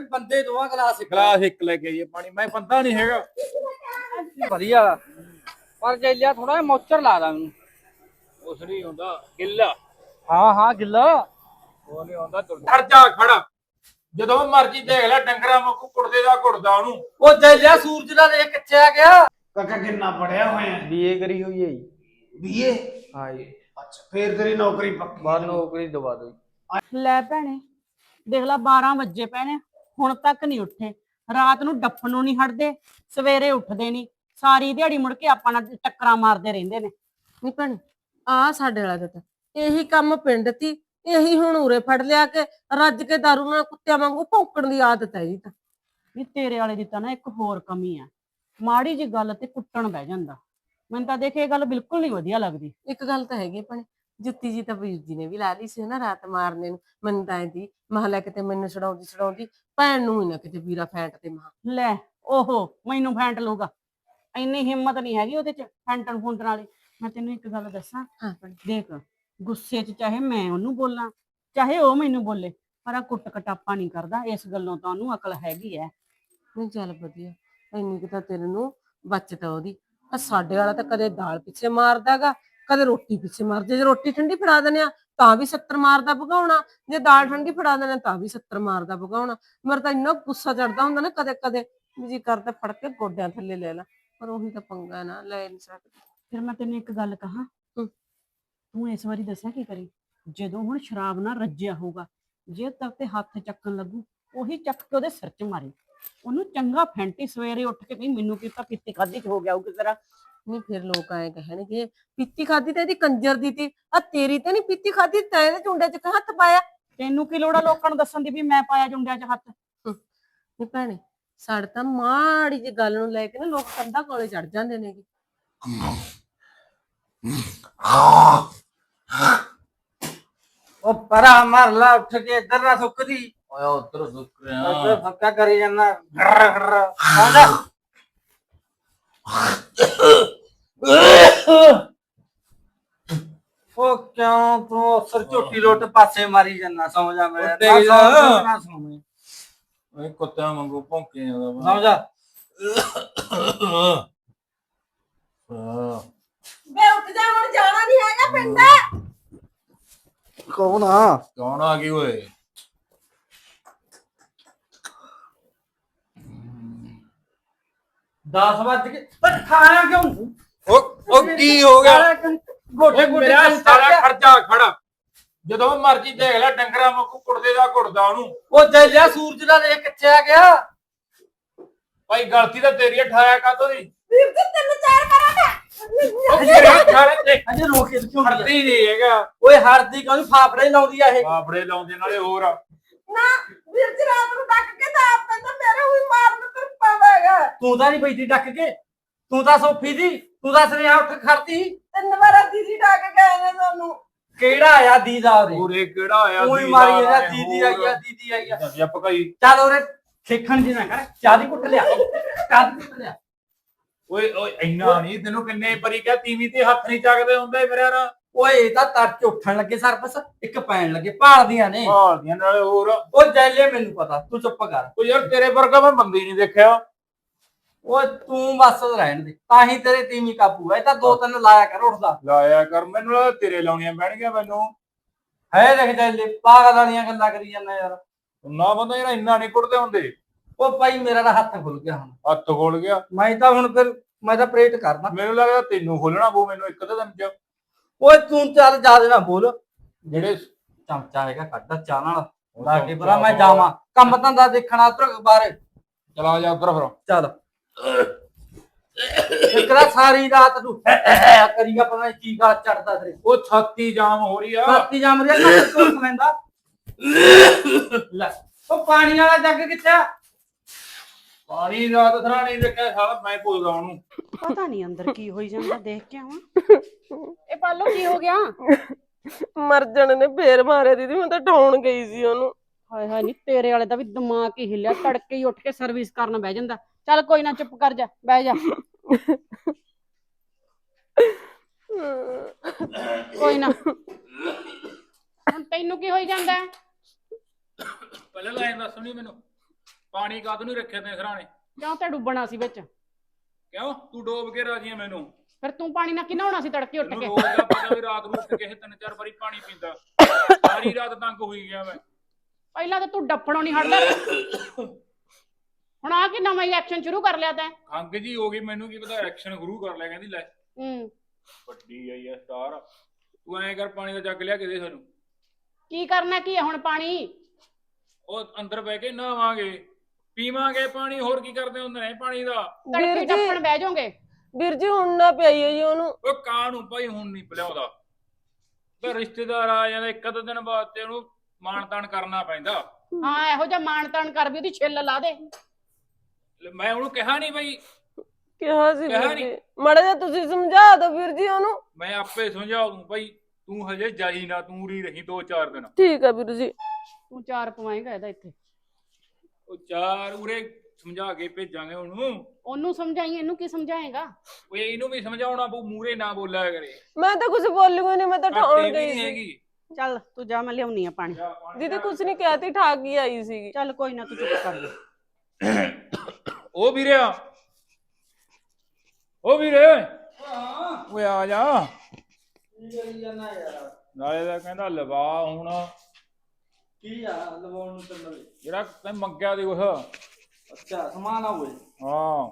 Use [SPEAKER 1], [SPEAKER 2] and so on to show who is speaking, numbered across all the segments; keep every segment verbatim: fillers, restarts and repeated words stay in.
[SPEAKER 1] ਬੰਦੇ ਦੋਵਾਂ ਗਲਾਸ ਇੱਕ
[SPEAKER 2] ਗਲਾਸ ਇੱਕ ਲੈ ਕੇ ਆਈਏ ਪਾਣੀ। ਮੈਂ ਬੰਦਾ ਨਹੀਂ ਹੈਗਾ।
[SPEAKER 1] ਵਧੀਆ ਪਰ ਜੈਲਿਆ ਥੋੜਾ ਜਿਹਾ ਮੋਚਰ ਲਾ ਦਾ ਮੈਨੂੰ।
[SPEAKER 2] ਉਸ ਨਹੀਂ ਹੁੰਦਾ ਗਿੱਲਾ।
[SPEAKER 1] ਹਾਂ ਹਾਂ ਗਿੱਲਾ
[SPEAKER 2] ਉਹ ਨਹੀਂ ਹੁੰਦਾ ਖਰਚਾ ਖੜਾ। ਜਦੋਂ ਮਰਜੀ ਦੇਖ ਲੈ ਡੰਗਰਾਂ ਵਾਂਗੂ ਕੁੜਦੇ ਦਾ ਕੁੜਦਾ ਉਹਨੂੰ।
[SPEAKER 1] ਉਹ ਜੈਲਿਆ ਸੂਰਜ ਦਾ ਦੇਖ ਕਿੱਥੇ ਆ ਗਿਆ।
[SPEAKER 3] ਕਾਕਾ ਕਿੰਨਾ ਪੜਿਆ ਹੋਇਆ
[SPEAKER 1] ਬੀਏ ਕਰੀ ਹੋਈ ਹੈ ਜੀ।
[SPEAKER 3] ਬੀਏ
[SPEAKER 1] ਹਾਂ ਜੀ।
[SPEAKER 3] ਅੱਛਾ ਫੇਰ ਤੇਰੀ ਨੌਕਰੀ ਪੱਕੀ।
[SPEAKER 1] ਬਾਹਰ ਨੌਕਰੀ ਦਵਾ ਦੋ।
[SPEAKER 4] ਲੈ ਭੈਣੇ ਦੇਖ ਲਾ ਬਾਰਾਂ ਵਜੇ ਪੈਣੇ ਹੁਣ ਤੱਕ ਨਹੀਂ ਉੱਠੇ। ਰਾਤ ਨੂੰ ਡੱਫਣ ਨੂੰ ਨਹੀਂ ਹਟਦੇ, ਸਵੇਰੇ ਉੱਠਦੇ ਨਹੀਂ, ਸਾਰੀ ਦਿਹਾੜੀ ਮੁੜ ਕੇ ਆਪਾਂ ਨਾਲ ਟੱਕਰਾਂ ਮਾਰਦੇ ਰਹਿੰਦੇ ਨੇ।
[SPEAKER 5] ਨਹੀਂ ਭੈਣੇ ਆ ਸਾਡੇ ਵਾਲਾ ਤਾਂ ਇਹੀ ਕੰਮ ਪਿੰਡ ਤੀ, ਇਹੀ ਹੁਣ ਉਰੇ ਫੜ ਲਿਆ ਕੇ ਰੱਜ ਕੇ ਦਾਰੂ ਨਾਲ ਕੁੱਤਿਆਂ ਵਾਂਗੂ ਭੌਂਕਣ ਦੀ ਆਦਤ ਹੈ ਜੀ। ਤਾਂ
[SPEAKER 4] ਵੀ ਤੇਰੇ ਵਾਲੇ ਦੀ ਤਾਂ ਨਾ ਇੱਕ ਹੋਰ ਕਮੀ ਆ, ਮਾੜੀ ਜੀ ਗੱਲ ਤੇ ਕੁੱਟਣ ਬਹਿ ਜਾਂਦਾ। ਮੈਨੂੰ ਤਾਂ ਦੇਖ ਇਹ ਗੱਲ ਬਿਲਕੁਲ ਨਹੀਂ ਵਧੀਆ ਲੱਗਦੀ।
[SPEAKER 5] ਇੱਕ ਗੱਲ ਤਾਂ ਹੈਗੀ ਭੈਣੇ, ਜੁੱਤੀ ਜੀ ਤਾਂ ਵੀਰ ਜੀ ਨੇ ਵੀ ਲਾ ਲਈ ਸੀ ਨਾ ਰਾਤ ਮਾਰਨੇ ਨੂੰ। ਮੈਨੂੰ ਤਾਂ ਐਂਦੀ ਮਹ ਲੈ ਕਿਤੇ ਮੈਨੂੰ ਛਡਾਉਂਦੀ ਛਡਾਉਂਦੀ ਭੈਣ ਨੂੰ ਹੀ ਨਾ ਕਿਤੇ ਵੀਰਾ ਫੈਂਟ ਤੇ ਮਹਾ
[SPEAKER 4] ਲੈ ਓਹੋ ਮੈਨੂੰ ਫੈਂਟ ਲਊਗਾ, ਇੰਨੀ ਹਿੰਮਤ ਨਹੀਂ ਹੈਗੀ ਉਹਦੇ ਚ ਫੈਂਟਣ ਫੁੰਟਣ ਵਾਲੀ। ਮੈਂ ਤੈਨੂੰ ਇੱਕ ਗੱਲ ਦੱਸਾਂ,
[SPEAKER 5] ਹਾਂ ਭੈਣੇ
[SPEAKER 4] ਦੇਖ ਗੁੱਸੇ ਚ ਚਾਹੇ ਮੈਂ ਉਹਨੂੰ ਬੋਲਾਂ ਚਾਹੇ ਉਹ ਮੈਨੂੰ ਬੋਲੇ, ਪਰ ਆ ਕੁੱਟ ਕਟਾਪਾ ਨਹੀਂ ਕਰਦਾ। ਇਸ ਗੱਲੋਂ ਤਾਂ ਉਹਨੂੰ ਅਕਲ ਹੈਗੀ ਐ।
[SPEAKER 5] ਨਹੀਂ ਚੱਲ ਵਧੀਆ, ਇੰਨੀ ਕੁ ਤਾਂ ਤੇਰੇ ਨੂੰ ਬਚਤ ਉਹਦੀ। ਆ ਸਾਡੇ ਵਾਲਾ ਤਾਂ ਕਦੇ ਦਾਲ ਪਿੱਛੇ ਮਾਰਦਾਗਾ, ਕਦੇ ਰੋਟੀ ਪਿੱਛੇ ਮਾਰਦੇ। ਜੇ ਰੋਟੀ ਠੰਡੀ ਫੜਾ ਦਿੰਦੇ ਆ ਤਾਂ ਵੀ ਸੱਤਰ ਮਾਰਦਾ ਭਗਾਉਣਾ, ਜੇ ਦਾਲ ਠੰਡੀ ਫੜਾ ਦਿੰਦੇ ਤਾਂ ਵੀ ਸੱਤਰ ਮਾਰਦਾ ਭਗਾਉਣਾ। ਮੇਰਾ ਤਾਂ ਇੰਨਾ ਗੁੱਸਾ ਚੜਦਾ ਹੁੰਦਾ ਨਾ ਕਦੇ ਕਦੇ ਵੀ ਜੀ ਕਰਦਾ ਫੜ ਕੇ ਗੋਡਿਆਂ ਥੱਲੇ ਲੈ ਲਾ, ਪਰ ਉਹੀ ਤਾਂ ਪੰਗਾ ਨਾ, ਲੈ ਨਹੀਂ ਸਕਦੇ।
[SPEAKER 4] ਫਿਰ ਮੈਂ ਤੈਨੂੰ ਇੱਕ ਗੱਲ ਕਹਾਂ, ਤੂੰ ਇਸ ਵਾਰੀ ਦੱਸਿਆ ਕੀ ਕਰੀ, ਜਦੋਂ ਹੁਣ ਸ਼ਰਾਬ ਨਾਲ ਰੱਜਿਆ ਹੋਊਗਾ, ਜੇ ਤੱਕ ਤੇ ਹੱਥ ਚੱਕਣ ਲੱਗੂ ਉਹੀ ਚੱਕ ਕੇ ਉਹਦੇ ਸਿਰ 'ਚ ਮਾਰੀ, ਉਹਨੂੰ ਚੰਗਾ ਫੈਂਟੀ। ਸਵੇਰੇ ਉੱਠ ਕੇ ਨਹੀਂ ਮੈਨੂੰ ਕੀ ਤਾਂ ਪੀਤੀ ਖਾਧੀ ਚ ਹੋ ਗਿਆ ਉਹ ਕਿਸੇ ਤਰ੍ਹਾਂ।
[SPEAKER 5] ਨਹੀਂ ਫਿਰ ਲੋਕ ਐਂ ਕਹਿਣਗੇ ਪੀਤੀ ਖਾਦੀ ਤੇ ਇਹਦੀ ਕੰਜਰ ਦੀ ਤੀ, ਆ ਤੇਰੀ ਤੇ ਨਹੀਂ ਪੀਤੀ ਖਾਦੀ, ਤੈਂ ਇਹਦੇ ਚੁੰਡੇ 'ਚ ਹੱਥ ਪਾਇਆ।
[SPEAKER 4] ਤੈਨੂੰ ਕੀ ਲੋੜ ਆ ਲੋਕਾਂ ਨੂੰ ਦੱਸਣ ਦੀ ਵੀ ਮੈਂ ਪਾਇਆ ਜੁੰਡਿਆਂ 'ਚ ਹੱਥ।
[SPEAKER 5] ਨਹੀਂ ਭੈਣੇ ਸਾਡੇ ਤਾਂ ਮਾੜੀ ਜਿਹੀ ਗੱਲ ਨੂੰ ਲੈ ਕੇ ਨਾ ਲੋਕ ਕੰਧਾਂ ਕੋਲੇ ਚੜ ਜਾਂਦੇ ਨੇ।
[SPEAKER 1] ਉਹ ਪਰਾ ਮਰ ਲਾ ਉੱਠ ਕੇ ਇੱਧਰ ਨਾ ਸੁੱਕਦੀ।
[SPEAKER 2] ਓਏ ਉਧਰ ਸੁੱਕ ਰਿਹਾ।
[SPEAKER 1] ਇੱਧਰ ਫੱਕਾ ਕਰੀ ਜਾਂਦਾ ਘਰ ਘਰ ਆ ਜਾ। ਉਹ ਕਿਉਂ ਤੂੰ ਸਰ ਝੋਟੀ ਲੋਟ ਪਾਸੇ ਮਾਰੀ ਜਾਂਦਾ, ਸਮਝ ਆ ਮੇਰਾ
[SPEAKER 2] ਉੱਤੇ ਹੀ
[SPEAKER 1] ਨਾ
[SPEAKER 2] ਜਾ।
[SPEAKER 1] ਸਮਝ ਨਾ ਸਮਝ
[SPEAKER 2] ਓਏ ਕੁੱਤਿਆਂ ਵਾਂਗੂ ਭੌਂਕੀ ਜਾਂਦਾ ਵਾ।
[SPEAKER 1] ਸਮਝ ਆ।
[SPEAKER 2] ਹਾਂ
[SPEAKER 5] ਵੇ ਉੱਠ ਜਾ, ਹੁਣ ਜਾਣਾ ਨਹੀਂ ਹੈਗਾ ਪਿੰਡ।
[SPEAKER 1] ਕੌਣ ਆ?
[SPEAKER 2] ਕੌਣ ਆ ਗਈ ਓਏ?
[SPEAKER 1] ਦਸ ਵੱਜ ਕੇ ਓਏ ਖਾਣਾ ਕਿਉਂ?
[SPEAKER 2] ਉਹ ਉਹ ਕੀ ਹੋ ਗਿਆ?
[SPEAKER 1] ਗੋਡੇ ਗੋਡੇ
[SPEAKER 2] ਮੇਰਾ ਸਾਰਾ ਖਰਚਾ ਖੜਾ। ਜਦੋਂ ਮਰਜੀ ਦੇਖ ਲੈ ਡੰਗਰਾਂ ਵਾਂਗੂ ਕੁੜਦੇ ਦਾ ਕੁੜਦਾ ਉਹਨੂੰ।
[SPEAKER 1] ਉਹ ਜੈਲਿਆ ਸੂਰਜ ਦਾ ਦੇਖ ਕਿੱਥੇ ਆ ਗਿਆ।
[SPEAKER 2] ਭਾਈ ਗਲਤੀ ਤਾਂ ਤੇਰੀ ਠਾਇਆ ਕਾਤੋਂ ਦੀ?
[SPEAKER 5] ਵੀਰ ਜੀ ਤਿੰਨ ਚਾਰ ਕਰਾਂਗਾ।
[SPEAKER 2] ਉਹ ਮੇਰੇ ਖਾਲੇ ਤੇ
[SPEAKER 1] ਅਜੇ ਰੋਕ ਕੇ ਕਿਉਂ ਨਹੀਂ?
[SPEAKER 2] ਹਰਦੀ ਨਹੀਂ ਹੈਗਾ।
[SPEAKER 1] ਓਏ ਹਰਦੀ ਕਿਉਂ ਨੀ, ਫਾਫੜੇ ਲਾਉਂਦੀ ਆ ਇਹ।
[SPEAKER 2] ਬਾਪੜੇ ਲਾਉਂਦੇ ਨਾਲੇ ਹੋਰ।
[SPEAKER 5] ਨਾ ਵੀਰ ਜੀ ਰਾਤ ਨੂੰ ਡੱਕ ਕੇ ਤਾਂ ਆਪ ਤਾਂ ਮੇਰੇ ਹੋਈ ਮਾਰਨ ਤੁਰਪਾ ਹੈਗਾ।
[SPEAKER 1] ਤੂੰ ਤਾਂ ਨਹੀਂ ਬੈਠੀ ਡੱਕ ਕੇ, ਤੂੰ ਤਾਂ ਸੋਫੀ ਦੀ, ਤੂੰ ਤਾਂ ਸੁਨੇਹਾ ਉੱਠ ਖੜਤੀ।
[SPEAKER 5] ਤਿੰਨ ਵਾਰ ਦੀਦੀ ਡੱਕ ਗਏ ਨੇ ਤੁਹਾਨੂੰ।
[SPEAKER 1] ਕਿਹੜਾ ਆਇਆ ਦੀਦਾ ਉਹਦੇ?
[SPEAKER 2] ਪੂਰੇ ਕਿਹੜਾ ਆਇਆ?
[SPEAKER 1] ਉਹੀ ਮਾਰੀ ਜਾਂਦਾ ਦੀਦੀ ਆਈ ਆ ਦੀਦੀ ਆਈ ਆ।
[SPEAKER 2] ਜੱਪ ਕਈ।
[SPEAKER 1] ਚੱਲ ਉਹਰੇ ਖੇਖਣ ਜੀ ਨਾ ਕਰ, ਚਾਹ ਦੀ ਕੁੱਟ ਲਿਆ, ਚਾਹ ਦੀ ਕੁੱਟ ਲਿਆ।
[SPEAKER 2] ਓਏ ਓਏ ਇੰਨਾ ਨਹੀਂ, ਤੈਨੂੰ ਕਿੰਨੇ ਵਾਰੀ ਕਿਹਾ ਤੀਵੀਂ ਤੇ ਹੱਥ ਨਹੀਂ ਚੱਕਦੇ ਹੁੰਦੇ ਮੇਰੇ ਯਾਰ।
[SPEAKER 1] ਓਏ ਇਹ ਤਾਂ ਤੜਕੇ ਉੱਠਣ ਲੱਗੇ ਸਰਪਸ, ਇੱਕ ਪੈਣ ਲੱਗੇ, ਭਾਲਦੀਆਂ ਨੇ।
[SPEAKER 2] ਭਾਲਦੀਆਂ ਨਾਲੇ ਹੋਰ।
[SPEAKER 1] ਉਹ ਜੈਲੇ ਮੈਨੂੰ ਪਤਾ, ਤੂੰ ਚੁੱਪ ਕਰ।
[SPEAKER 2] ਓ ਯਾਰ ਤੇਰੇ ਵਰਗਾ ਮੈਂ ਬੰਦੀ ਨਹੀਂ ਦੇਖਿਆ।
[SPEAKER 1] ਓਏ ਤੂੰ ਬਸ ਰਹਿਣ ਦੇ, ਤਾਂ ਹੀ ਤੇਰੇ ਤੀਵੀਂ ਕਾਬੂ ਹੈ। ਇਹ ਤਾਂ ਦੋ ਤਿੰਨ ਲਾਇਆ ਕਰ ਉੱਠਦਾ।
[SPEAKER 2] ਲਾਇਆ ਕਰ, ਮੈਨੂੰ ਲੱਗਦਾ ਤੇਰੇ ਲਾਉਣੀਆਂ ਪੈਣਗੀਆਂ ਮੈਨੂੰ।
[SPEAKER 1] ਹੈ ਦੇਖ ਜੈਲੇ ਪਾਗਲ ਵਾਲੀਆਂ ਗੱਲਾਂ ਕਰੀ ਜਾਂਦਾ ਯਾਰ।
[SPEAKER 2] ਨਾ ਬੰਦਾ ਯਾਰ ਇੰਨਾ ਨਹੀਂ ਕੁੱਟਦੇ ਹੁੰਦੇ।
[SPEAKER 1] ਉਹ ਭਾਈ ਮੇਰਾ ਤਾਂ ਹੱਥ ਖੁੱਲ ਗਿਆ ਹੁਣ।
[SPEAKER 2] ਹੱਥ ਖੋਲ ਗਿਆ।
[SPEAKER 1] ਮੈਂ ਤਾਂ ਹੁਣ ਫਿਰ ਮੈਂ ਤਾਂ ਪ੍ਰੇਟ ਕਰਦਾ।
[SPEAKER 2] ਮੈਨੂੰ ਲੱਗਦਾ ਤੈਨੂੰ ਖੋਲਣਾ ਪਊ ਮੈਨੂੰ ਇੱਕ ਅੱਧੇ ਦਿਨ ਚ।
[SPEAKER 1] ਓਏ ਤੂੰ ਚੱਲ ਜਿਆਦਾ ਨਾ ਬੋਲ।
[SPEAKER 2] ਜਿਹੜੇ
[SPEAKER 1] ਚਮਚਾ ਹੈਗਾ ਕੱਢ ਚਾਹ ਨਾਲ ਲਾ ਕੇ ਭਰਾ, ਮੈਂ ਜਾਵਾਂ ਕੰਮ ਧੰਦਾ ਦੇਖਣਾ ਉਧਰ ਬਾਹਰ।
[SPEAKER 2] ਚਲਾ ਜਾ ਉਧਰ ਫਿਰ।
[SPEAKER 1] ਚੱਲ ਇਕਰਾ ਸਾਰੀ ਰਾਤ ਤੂੰ ਕਰੀਗਾ, ਪਤਾ ਨੀ ਕੀ ਗਾਲ ਚੜਦਾ ਤੇਰੇ।
[SPEAKER 2] ਉਹ ਛਾਤੀ ਜਾਮ ਹੋ ਰਹੀ ਆ।
[SPEAKER 1] ਛਾਤੀ ਜਾਮ ਰਿਹਾ ਨਾ, ਕੋਲ ਸਮੈਂਦਾ ਲੈ। ਉਹ ਪਾਣੀ ਵਾਲਾ ਜੱਗ ਕਿੱਥੇ ਆ?
[SPEAKER 2] ਪਾਣੀ ਰਾਤ ਥਰਾ ਨਹੀਂ ਦੇਖਿਆ ਸਾਲਾ, ਮੈਂ ਪੁੱਛਦਾ ਉਹਨੂੰ।
[SPEAKER 4] ਪਤਾ ਨਹੀਂ ਅੰਦਰ ਕੀ ਹੋਈ ਜਾਂਦਾ, ਦੇਖ ਕੇ ਆਵਾਂ। ਇਹ ਪਾਲੋ ਕੀ ਹੋ ਗਿਆ?
[SPEAKER 5] ਮਰ ਜਾਣੇ ਨੇ ਫੇਰ ਮਾਰਿਆ ਦੀਦੀ, ਮੈਂ ਤਾਂ ਢਾਉਣ ਗਈ ਸੀ ਉਹਨੂੰ।
[SPEAKER 4] ਹਾਏ ਹਾਏ ਨੀ ਤੇਰੇ ਵਾਲੇ ਦਾ ਵੀ ਦਿਮਾਗ ਹੀ ਹਿੱਲਿਆ, ਤੜਕੇ ਹੀ ਉੱਠ ਕੇ ਸਰਵਿਸ ਕਰਨ ਬਹਿ ਜਾਂਦਾ। ਚੱਲ ਕੋਈ ਨਾ ਚੁੱਪ ਕਰ ਜਾ, ਬਹਿ ਜਾ। ਕੋਈ ਨਾ, ਹੁਣ ਤੈਨੂੰ ਕੀ ਹੋਈ ਜਾਂਦਾ?
[SPEAKER 2] ਪਹਿਲਾਂ ਲਾਈਨ ਦੱਸ ਨਹੀਂ ਮੈਨੂੰ। ਪਾਣੀ ਕਾਹਤੋਂ ਨਹੀਂ ਰੱਖਿਆ ਤੈਂ ਸਰਾਣੇ?
[SPEAKER 4] ਕਿਉਂ ਤੇ ਡੁੱਬਣਾ ਸੀ ਵਿੱਚ?
[SPEAKER 2] ਕਿਉਂ ਤੂੰ ਡੋਬ ਕੇ ਰਾਜੀ ਆ ਮੈਨੂੰ?
[SPEAKER 4] ਫਿਰ ਤੂੰ ਪਾਣੀ ਨਾਲ ਕਿੰਨਾ ਹੋਣਾ ਸੀ ਤੜਕੇ ਉੱਠ
[SPEAKER 2] ਤੈਨੂੰ
[SPEAKER 4] ਕੇ?
[SPEAKER 2] ਰੋਜ਼ ਦਾ ਪਤਾ ਵੀ ਰਾਤ ਨੂੰ ਉੱਠ ਕੇ ਇਹ ਤਿੰਨ ਚਾਰ ਵਾਰੀ ਪਾਣੀ ਪੀਂਦਾ। ਸਾਰੀ ਰਾਤ ਤੰਗ ਹੋਈ ਗਿਆ ਮੈਂ।
[SPEAKER 4] ਪਹਿਲਾਂ ਤਾਂ ਤੂੰ ਡੱਫਣੋਂ ਨਹੀਂ ਹਟਦਾ, ਹੁਣ ਆ ਕੇ ਨਵਾਂ ਹੀ ਐਕਸ਼ਨ ਸ਼ੁਰੂ ਕਰ ਲਿਆ ਤੈਂ।
[SPEAKER 2] ਖੰਗ ਜੀ ਹੋ ਗਈ, ਮੈਨੂੰ ਕੀ ਪਤਾ ਐਕਸ਼ਨ ਗੁਰੂ ਕਰ ਲਿਆ। ਕਹਿੰਦੀ ਲੈ
[SPEAKER 4] ਹੂੰ
[SPEAKER 2] ਵੱਡੀ ਆਈ ਆ ਸਟਾਰ। ਤੂੰ ਐਂ ਕਰ ਪਾਣੀ ਦਾ ਜੱਗ ਲਿਆ ਕੇ ਦੇ ਸਾਨੂੰ।
[SPEAKER 4] ਕੀ ਕਰਨਾ ਕੀ ਹੈ ਹੁਣ ਪਾਣੀ?
[SPEAKER 2] ਉਹ ਅੰਦਰ ਬਹਿ ਕੇ ਨਹਾਵਾਂਗੇ ਪੀਵਾਂਗੇ ਪਾਣੀ, ਹੋਰ ਕੀ ਕਰਦੇ ਹੁੰਦੇ ਨੇ ਪਾਣੀ ਦਾ?
[SPEAKER 4] ਤੜਕੇ
[SPEAKER 5] ਵੀਰ
[SPEAKER 4] ਡੱਫਣ
[SPEAKER 5] ਜੀ
[SPEAKER 4] ਬਹਿ ਜਾਓਗੇ।
[SPEAKER 5] ਵੀਰ ਜੀ ਹੁਣ ਨਾ ਪਿਆਈਓ ਜੀ ਉਹਨੂੰ।
[SPEAKER 2] ਉਹ ਕਾਂ ਨੂੰ ਭਾਈ ਹੁਣ ਨਹੀਂ ਪਿਲਾਉਂਦਾ, ਤੇ ਰਿਸ਼ਤੇਦਾਰ ਆ ਜਾਂਦੇ ਇੱਕ ਅੱਧੇ ਦਿਨ ਬਾਅਦ ਤੇ ਉਹਨੂੰ ਮਾਣ ਤਾਣ ਕਰਨਾ ਪੈਂਦਾ।
[SPEAKER 4] ਹਾਂ ਇਹੋ ਜਿਹਾ ਮਾਣ ਤਾਣ ਕਰ ਵੀ ਉਹਦੀ ਛਿੱਲ ਲਾ ਦੇ।
[SPEAKER 2] ਲੈ ਮੈਂ ਉਹਨੂੰ ਕਿਹਾ ਨਹੀਂ ਬਈ,
[SPEAKER 5] ਕਿਹਾ ਸੀ
[SPEAKER 2] ਕਿਹਾ
[SPEAKER 5] ਵੀਰ
[SPEAKER 2] ਨੀ।
[SPEAKER 5] ਜੀ, ਮਾੜਾ ਜਿਹਾ ਤੁਸੀਂ ਸਮਝਾ ਦਿਓ ਵੀਰ ਜੀ ਉਹਨੂੰ।
[SPEAKER 2] ਮੈਂ ਆਪੇ ਸਮਝਾ ਦੂੰ ਭਾਈ, ਤੂੰ ਹਜੇ ਜਾਈ ਨਾ, ਤੂੰ ਉਰੀ ਰਹੀ ਦੋ ਚਾਰ ਦਿਨ।
[SPEAKER 5] ਠੀਕ ਆ ਵੀਰ ਜੀ।
[SPEAKER 4] ਤੂੰ ਚਾਰ ਪਵਾਏਗਾ ਇਹਦਾ ਇੱਥੇ।
[SPEAKER 2] ਉਹ ਚਾਰ ਉਰੇ ਸਮਝਾ ਕੇ ਭੇਜਾਂਗੇ ਉਹਨੂੰ।
[SPEAKER 4] ਉਹਨੂੰ ਸਮਝਾਈ, ਇਹਨੂੰ ਕੀ ਸਮਝਾਏਗਾ?
[SPEAKER 2] ਉਹ ਇਹਨੂੰ ਵੀ ਸਮਝਾਉਣਾ ਪਊ, ਮੂਰੇ ਨਾ ਬੋਲਿਆ ਕਰੇ।
[SPEAKER 5] ਮੈਂ ਤਾਂ ਕੁਝ ਬੋਲੀ ਕੋਈ ਨਹੀਂ, ਮੈਂ ਤਾਂ ਠਾਉਣ
[SPEAKER 2] ਘਾਟੇ ਵੀ
[SPEAKER 5] ਗਈ
[SPEAKER 2] ਨੀ
[SPEAKER 5] ਸੀ।
[SPEAKER 2] ਹੈਗੀ।
[SPEAKER 4] ਚੱਲ ਤੂੰ ਜਾ, ਮੈਂ ਲਿਆਉਣੀ ਆ ਪਾਣੀ।
[SPEAKER 2] ਜਾ ਪਾਣੀ
[SPEAKER 5] ਦੀਦੀ
[SPEAKER 2] ਲਿਆ।
[SPEAKER 5] ਕੁਝ ਨਹੀਂ ਕਹਿਤੀ, ਠਾਕ ਹੀ ਆਈ ਸੀਗੀ।
[SPEAKER 4] ਚੱਲ ਕੋਈ ਨਾ, ਤੂੰ ਚੁੱਪ ਕਰ ਲੈ।
[SPEAKER 2] ਉਹ ਵੀਰਿਆ, ਉਹ ਵੀਰੇ
[SPEAKER 1] ਹਾਂ
[SPEAKER 2] ਓਏ ਆ ਜਾ।
[SPEAKER 1] ਕੀ ਕਰੀ ਜਾਣਾ ਯਾਰ?
[SPEAKER 2] ਨਾਲੇ ਦਾ ਕਹਿੰਦਾ ਲਵਾ ਹੁਣ
[SPEAKER 1] ਕੀ ਆ ਲਵਾਉਣ ਨੂੰ ਤੈਨੂੰ?
[SPEAKER 2] ਜਿਹੜਾ ਤੈਂ ਮੰਗਿਆ ਦੇ ਕੁਛ।
[SPEAKER 1] ਅੱਛਾ ਸਮਾਨ ਆ ਹੋਏ।
[SPEAKER 2] ਹਾਂ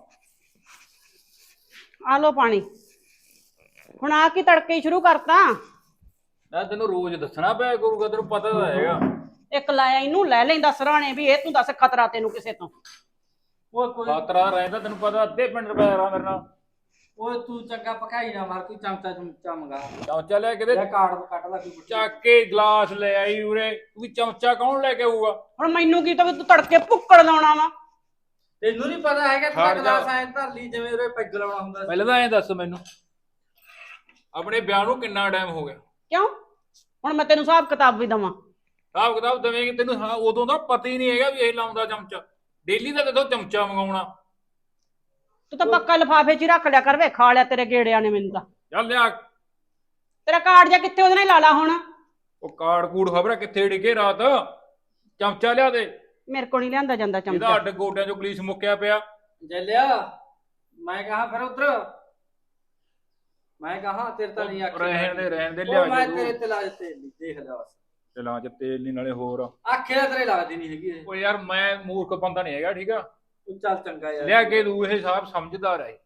[SPEAKER 4] ਆ ਲੋ ਪਾਣੀ। ਹੁਣ ਆ ਕੀ ਤੜਕੇ ਹੀ ਸ਼ੁਰੂ ਕਰਤਾ?
[SPEAKER 2] ਨਾ ਤੈਨੂੰ ਰੋਜ਼ ਦੱਸਣਾ ਪਿਆ ਕਰੂਗਾ, ਤੈਨੂੰ ਪਤਾ ਤਾਂ ਹੈਗਾ।
[SPEAKER 4] ਇੱਕ ਲਾਇਆ ਇਹਨੂੰ ਲੈ ਲੈਂਦਾ ਸਰਾਣੇ ਵੀ, ਇਹ ਤੂੰ ਦੱਸ ਖਤਰਾ ਤੈਨੂੰ ਕਿਸੇ ਤੋਂ?
[SPEAKER 1] ਓਏ ਕੋਈ
[SPEAKER 2] ਖਾਤਰਾ ਰਹਿੰਦਾ ਤੈਨੂੰ ਪਤਾ, ਅੱਧੇ ਪਿੰਡ ਰੁਪਏ ਰਾ ਮੇਰੇ ਨਾਲ।
[SPEAKER 1] ਓਏ ਤੂੰ ਚੰਗਾ ਪਕਾਈ ਨਾ ਮਾਰ, ਕੋਈ ਚਮਚਾ ਚਮਚਾ ਮੰਗਾ।
[SPEAKER 2] ਚਮਚਾ ਲੈ ਕੇ ਦੇ,
[SPEAKER 1] ਲੈ ਕਾਰਡ ਕੱਟ ਲਾ ਕੋਈ।
[SPEAKER 2] ਚੱਕ ਕੇ ਗਲਾਸ ਲੈ ਆਈ ਉਰੇ। ਤੂੰ ਚਮਚਾ ਕੌਣ ਲੈ ਕੇ ਆਊਗਾ?
[SPEAKER 4] ਹੁਣ ਮੈਨੂੰ ਕੀ ਤਾਂ ਵੀ ਤੂੰ ਤੜਕੇ ਭੁੱਕੜ ਲਾਉਣਾ ਵਾ?
[SPEAKER 1] ਤੈਨੂੰ ਨਹੀਂ ਪਤਾ ਹੈਗਾ, ਤੂੰ
[SPEAKER 2] ਖੜ ਜਾ।
[SPEAKER 1] ਗਲਾਸ ਐਂ ਧਰ ਲਈ ਜਿਵੇਂ ਉਹਦੇ ਪੈਗ ਲਾਉਣਾ ਹੁੰਦਾ ਸੀ।
[SPEAKER 2] ਪਹਿਲਾਂ ਤਾਂ ਐਂ ਦੱਸ ਮੈਨੂੰ, ਆਪਣੇ ਵਿਆਹ ਨੂੰ ਕਿੰਨਾ ਟਾਈਮ ਹੋ ਗਿਆ?
[SPEAKER 4] ਕਿਉਂ? ਹੁਣ ਮੈਂ ਤੈਨੂੰ ਹਿਸਾਬ ਕਿਤਾਬ ਵੀ ਦਵਾਂ?
[SPEAKER 2] ਹਿਸਾਬ ਕਿਤਾਬ ਦੇਵੇਂਗੀ ਤੈਨੂੰ? ਹਾਂ ਉਦੋਂ ਦਾ ਪਤਾ ਹੀ ਨਹੀਂ ਹੈਗਾ ਵੀ ਇਹ ਲਾਉਂਦਾ ਚਮਚਾ। ਡੇਲੀ ਦਾ ਕਿਥੋਂ ਚਮਚਾ ਮੰਗਾਉਣਾ?
[SPEAKER 4] ਤੂੰ ਤਾਂ ਪੱਕਾ ਲਿਫਾਫੇ 'ਚ ਹੀ ਰੱਖ ਲਿਆ ਕਰ ਵੇ, ਖਾ ਲਿਆ ਤੇਰੇ ਗੇੜਿਆਂ ਨੇ ਮੈਨੂੰ ਤਾਂ।
[SPEAKER 2] ਚੱਲ ਲਿਆ।
[SPEAKER 4] ਤੇਰਾ ਕਾਰਡ ਜਾਂ ਕਿੱਥੇ, ਉਹਦੇ ਨਾਲ ਹੀ ਲਾ ਲਾ ਹੁਣ।
[SPEAKER 2] ਉਹ ਕਾਰਡ ਕੂੜ ਖਬਰ ਕਿੱਥੇ ਡਿੱਗੇ ਰਾਤ। ਚਮਚਾ ਲਿਆ ਦੇ।
[SPEAKER 4] ਮੇਰੇ ਕੋਲ ਨਹੀਂ ਲਿਆਂਦਾ ਜਾਂਦਾ
[SPEAKER 2] ਇਹਦਾ
[SPEAKER 4] ਚਮਚਾ।
[SPEAKER 2] ਅੱਡ ਗੋਡਿਆਂ ਚੋਂ ਗਲੀਸ ਮੁੱਕਿਆ ਪਿਆ।
[SPEAKER 1] ਜੱਲਿਆ ਮੈਂ ਕਹਾ ਫਿਰ ਉਧਰ, ਮੈਂ ਕਹਾ ਤੇਰੇ ਤਾਂ ਨਹੀਂ ਆਖਿਆ।
[SPEAKER 2] ਰਹਿਣ ਦੇ ਰਹਿਣ ਦੇ,
[SPEAKER 1] ਉਹ
[SPEAKER 2] ਲਿਆ
[SPEAKER 1] ਮੈਂ
[SPEAKER 2] ਕੇ
[SPEAKER 1] ਤੇਰੇ
[SPEAKER 2] ਤੂੰ।
[SPEAKER 1] ਤੇ ਲਾ ਦਿੱਤੇ, ਦੇਖ ਲਿਆ ਬਸ।
[SPEAKER 2] ਚਲਾਂ ਚ ਤੇਲ ਨਹੀਂ ਨਾਲੇ ਹੋਰ।
[SPEAKER 1] ਆਖਿਆ ਤੇਰੇ ਲੱਗਦੀ ਨਹੀਂ ਹੈਗੀ ਇਹ।
[SPEAKER 2] ਉਹ ਯਾਰ ਮੈਂ ਮੂਰਖ ਬੰਦਾ ਨਹੀਂ ਹੈਗਾ, ਠੀਕ ਆ?
[SPEAKER 1] ਤੂੰ ਚੱਲ ਚੰਗਾ ਯਾਰ।
[SPEAKER 2] ਲਿਆ ਕੇ ਤੂੰ, ਇਹ ਹਿਸਾਬ ਸਮਝਦਾਰ ਹੈ।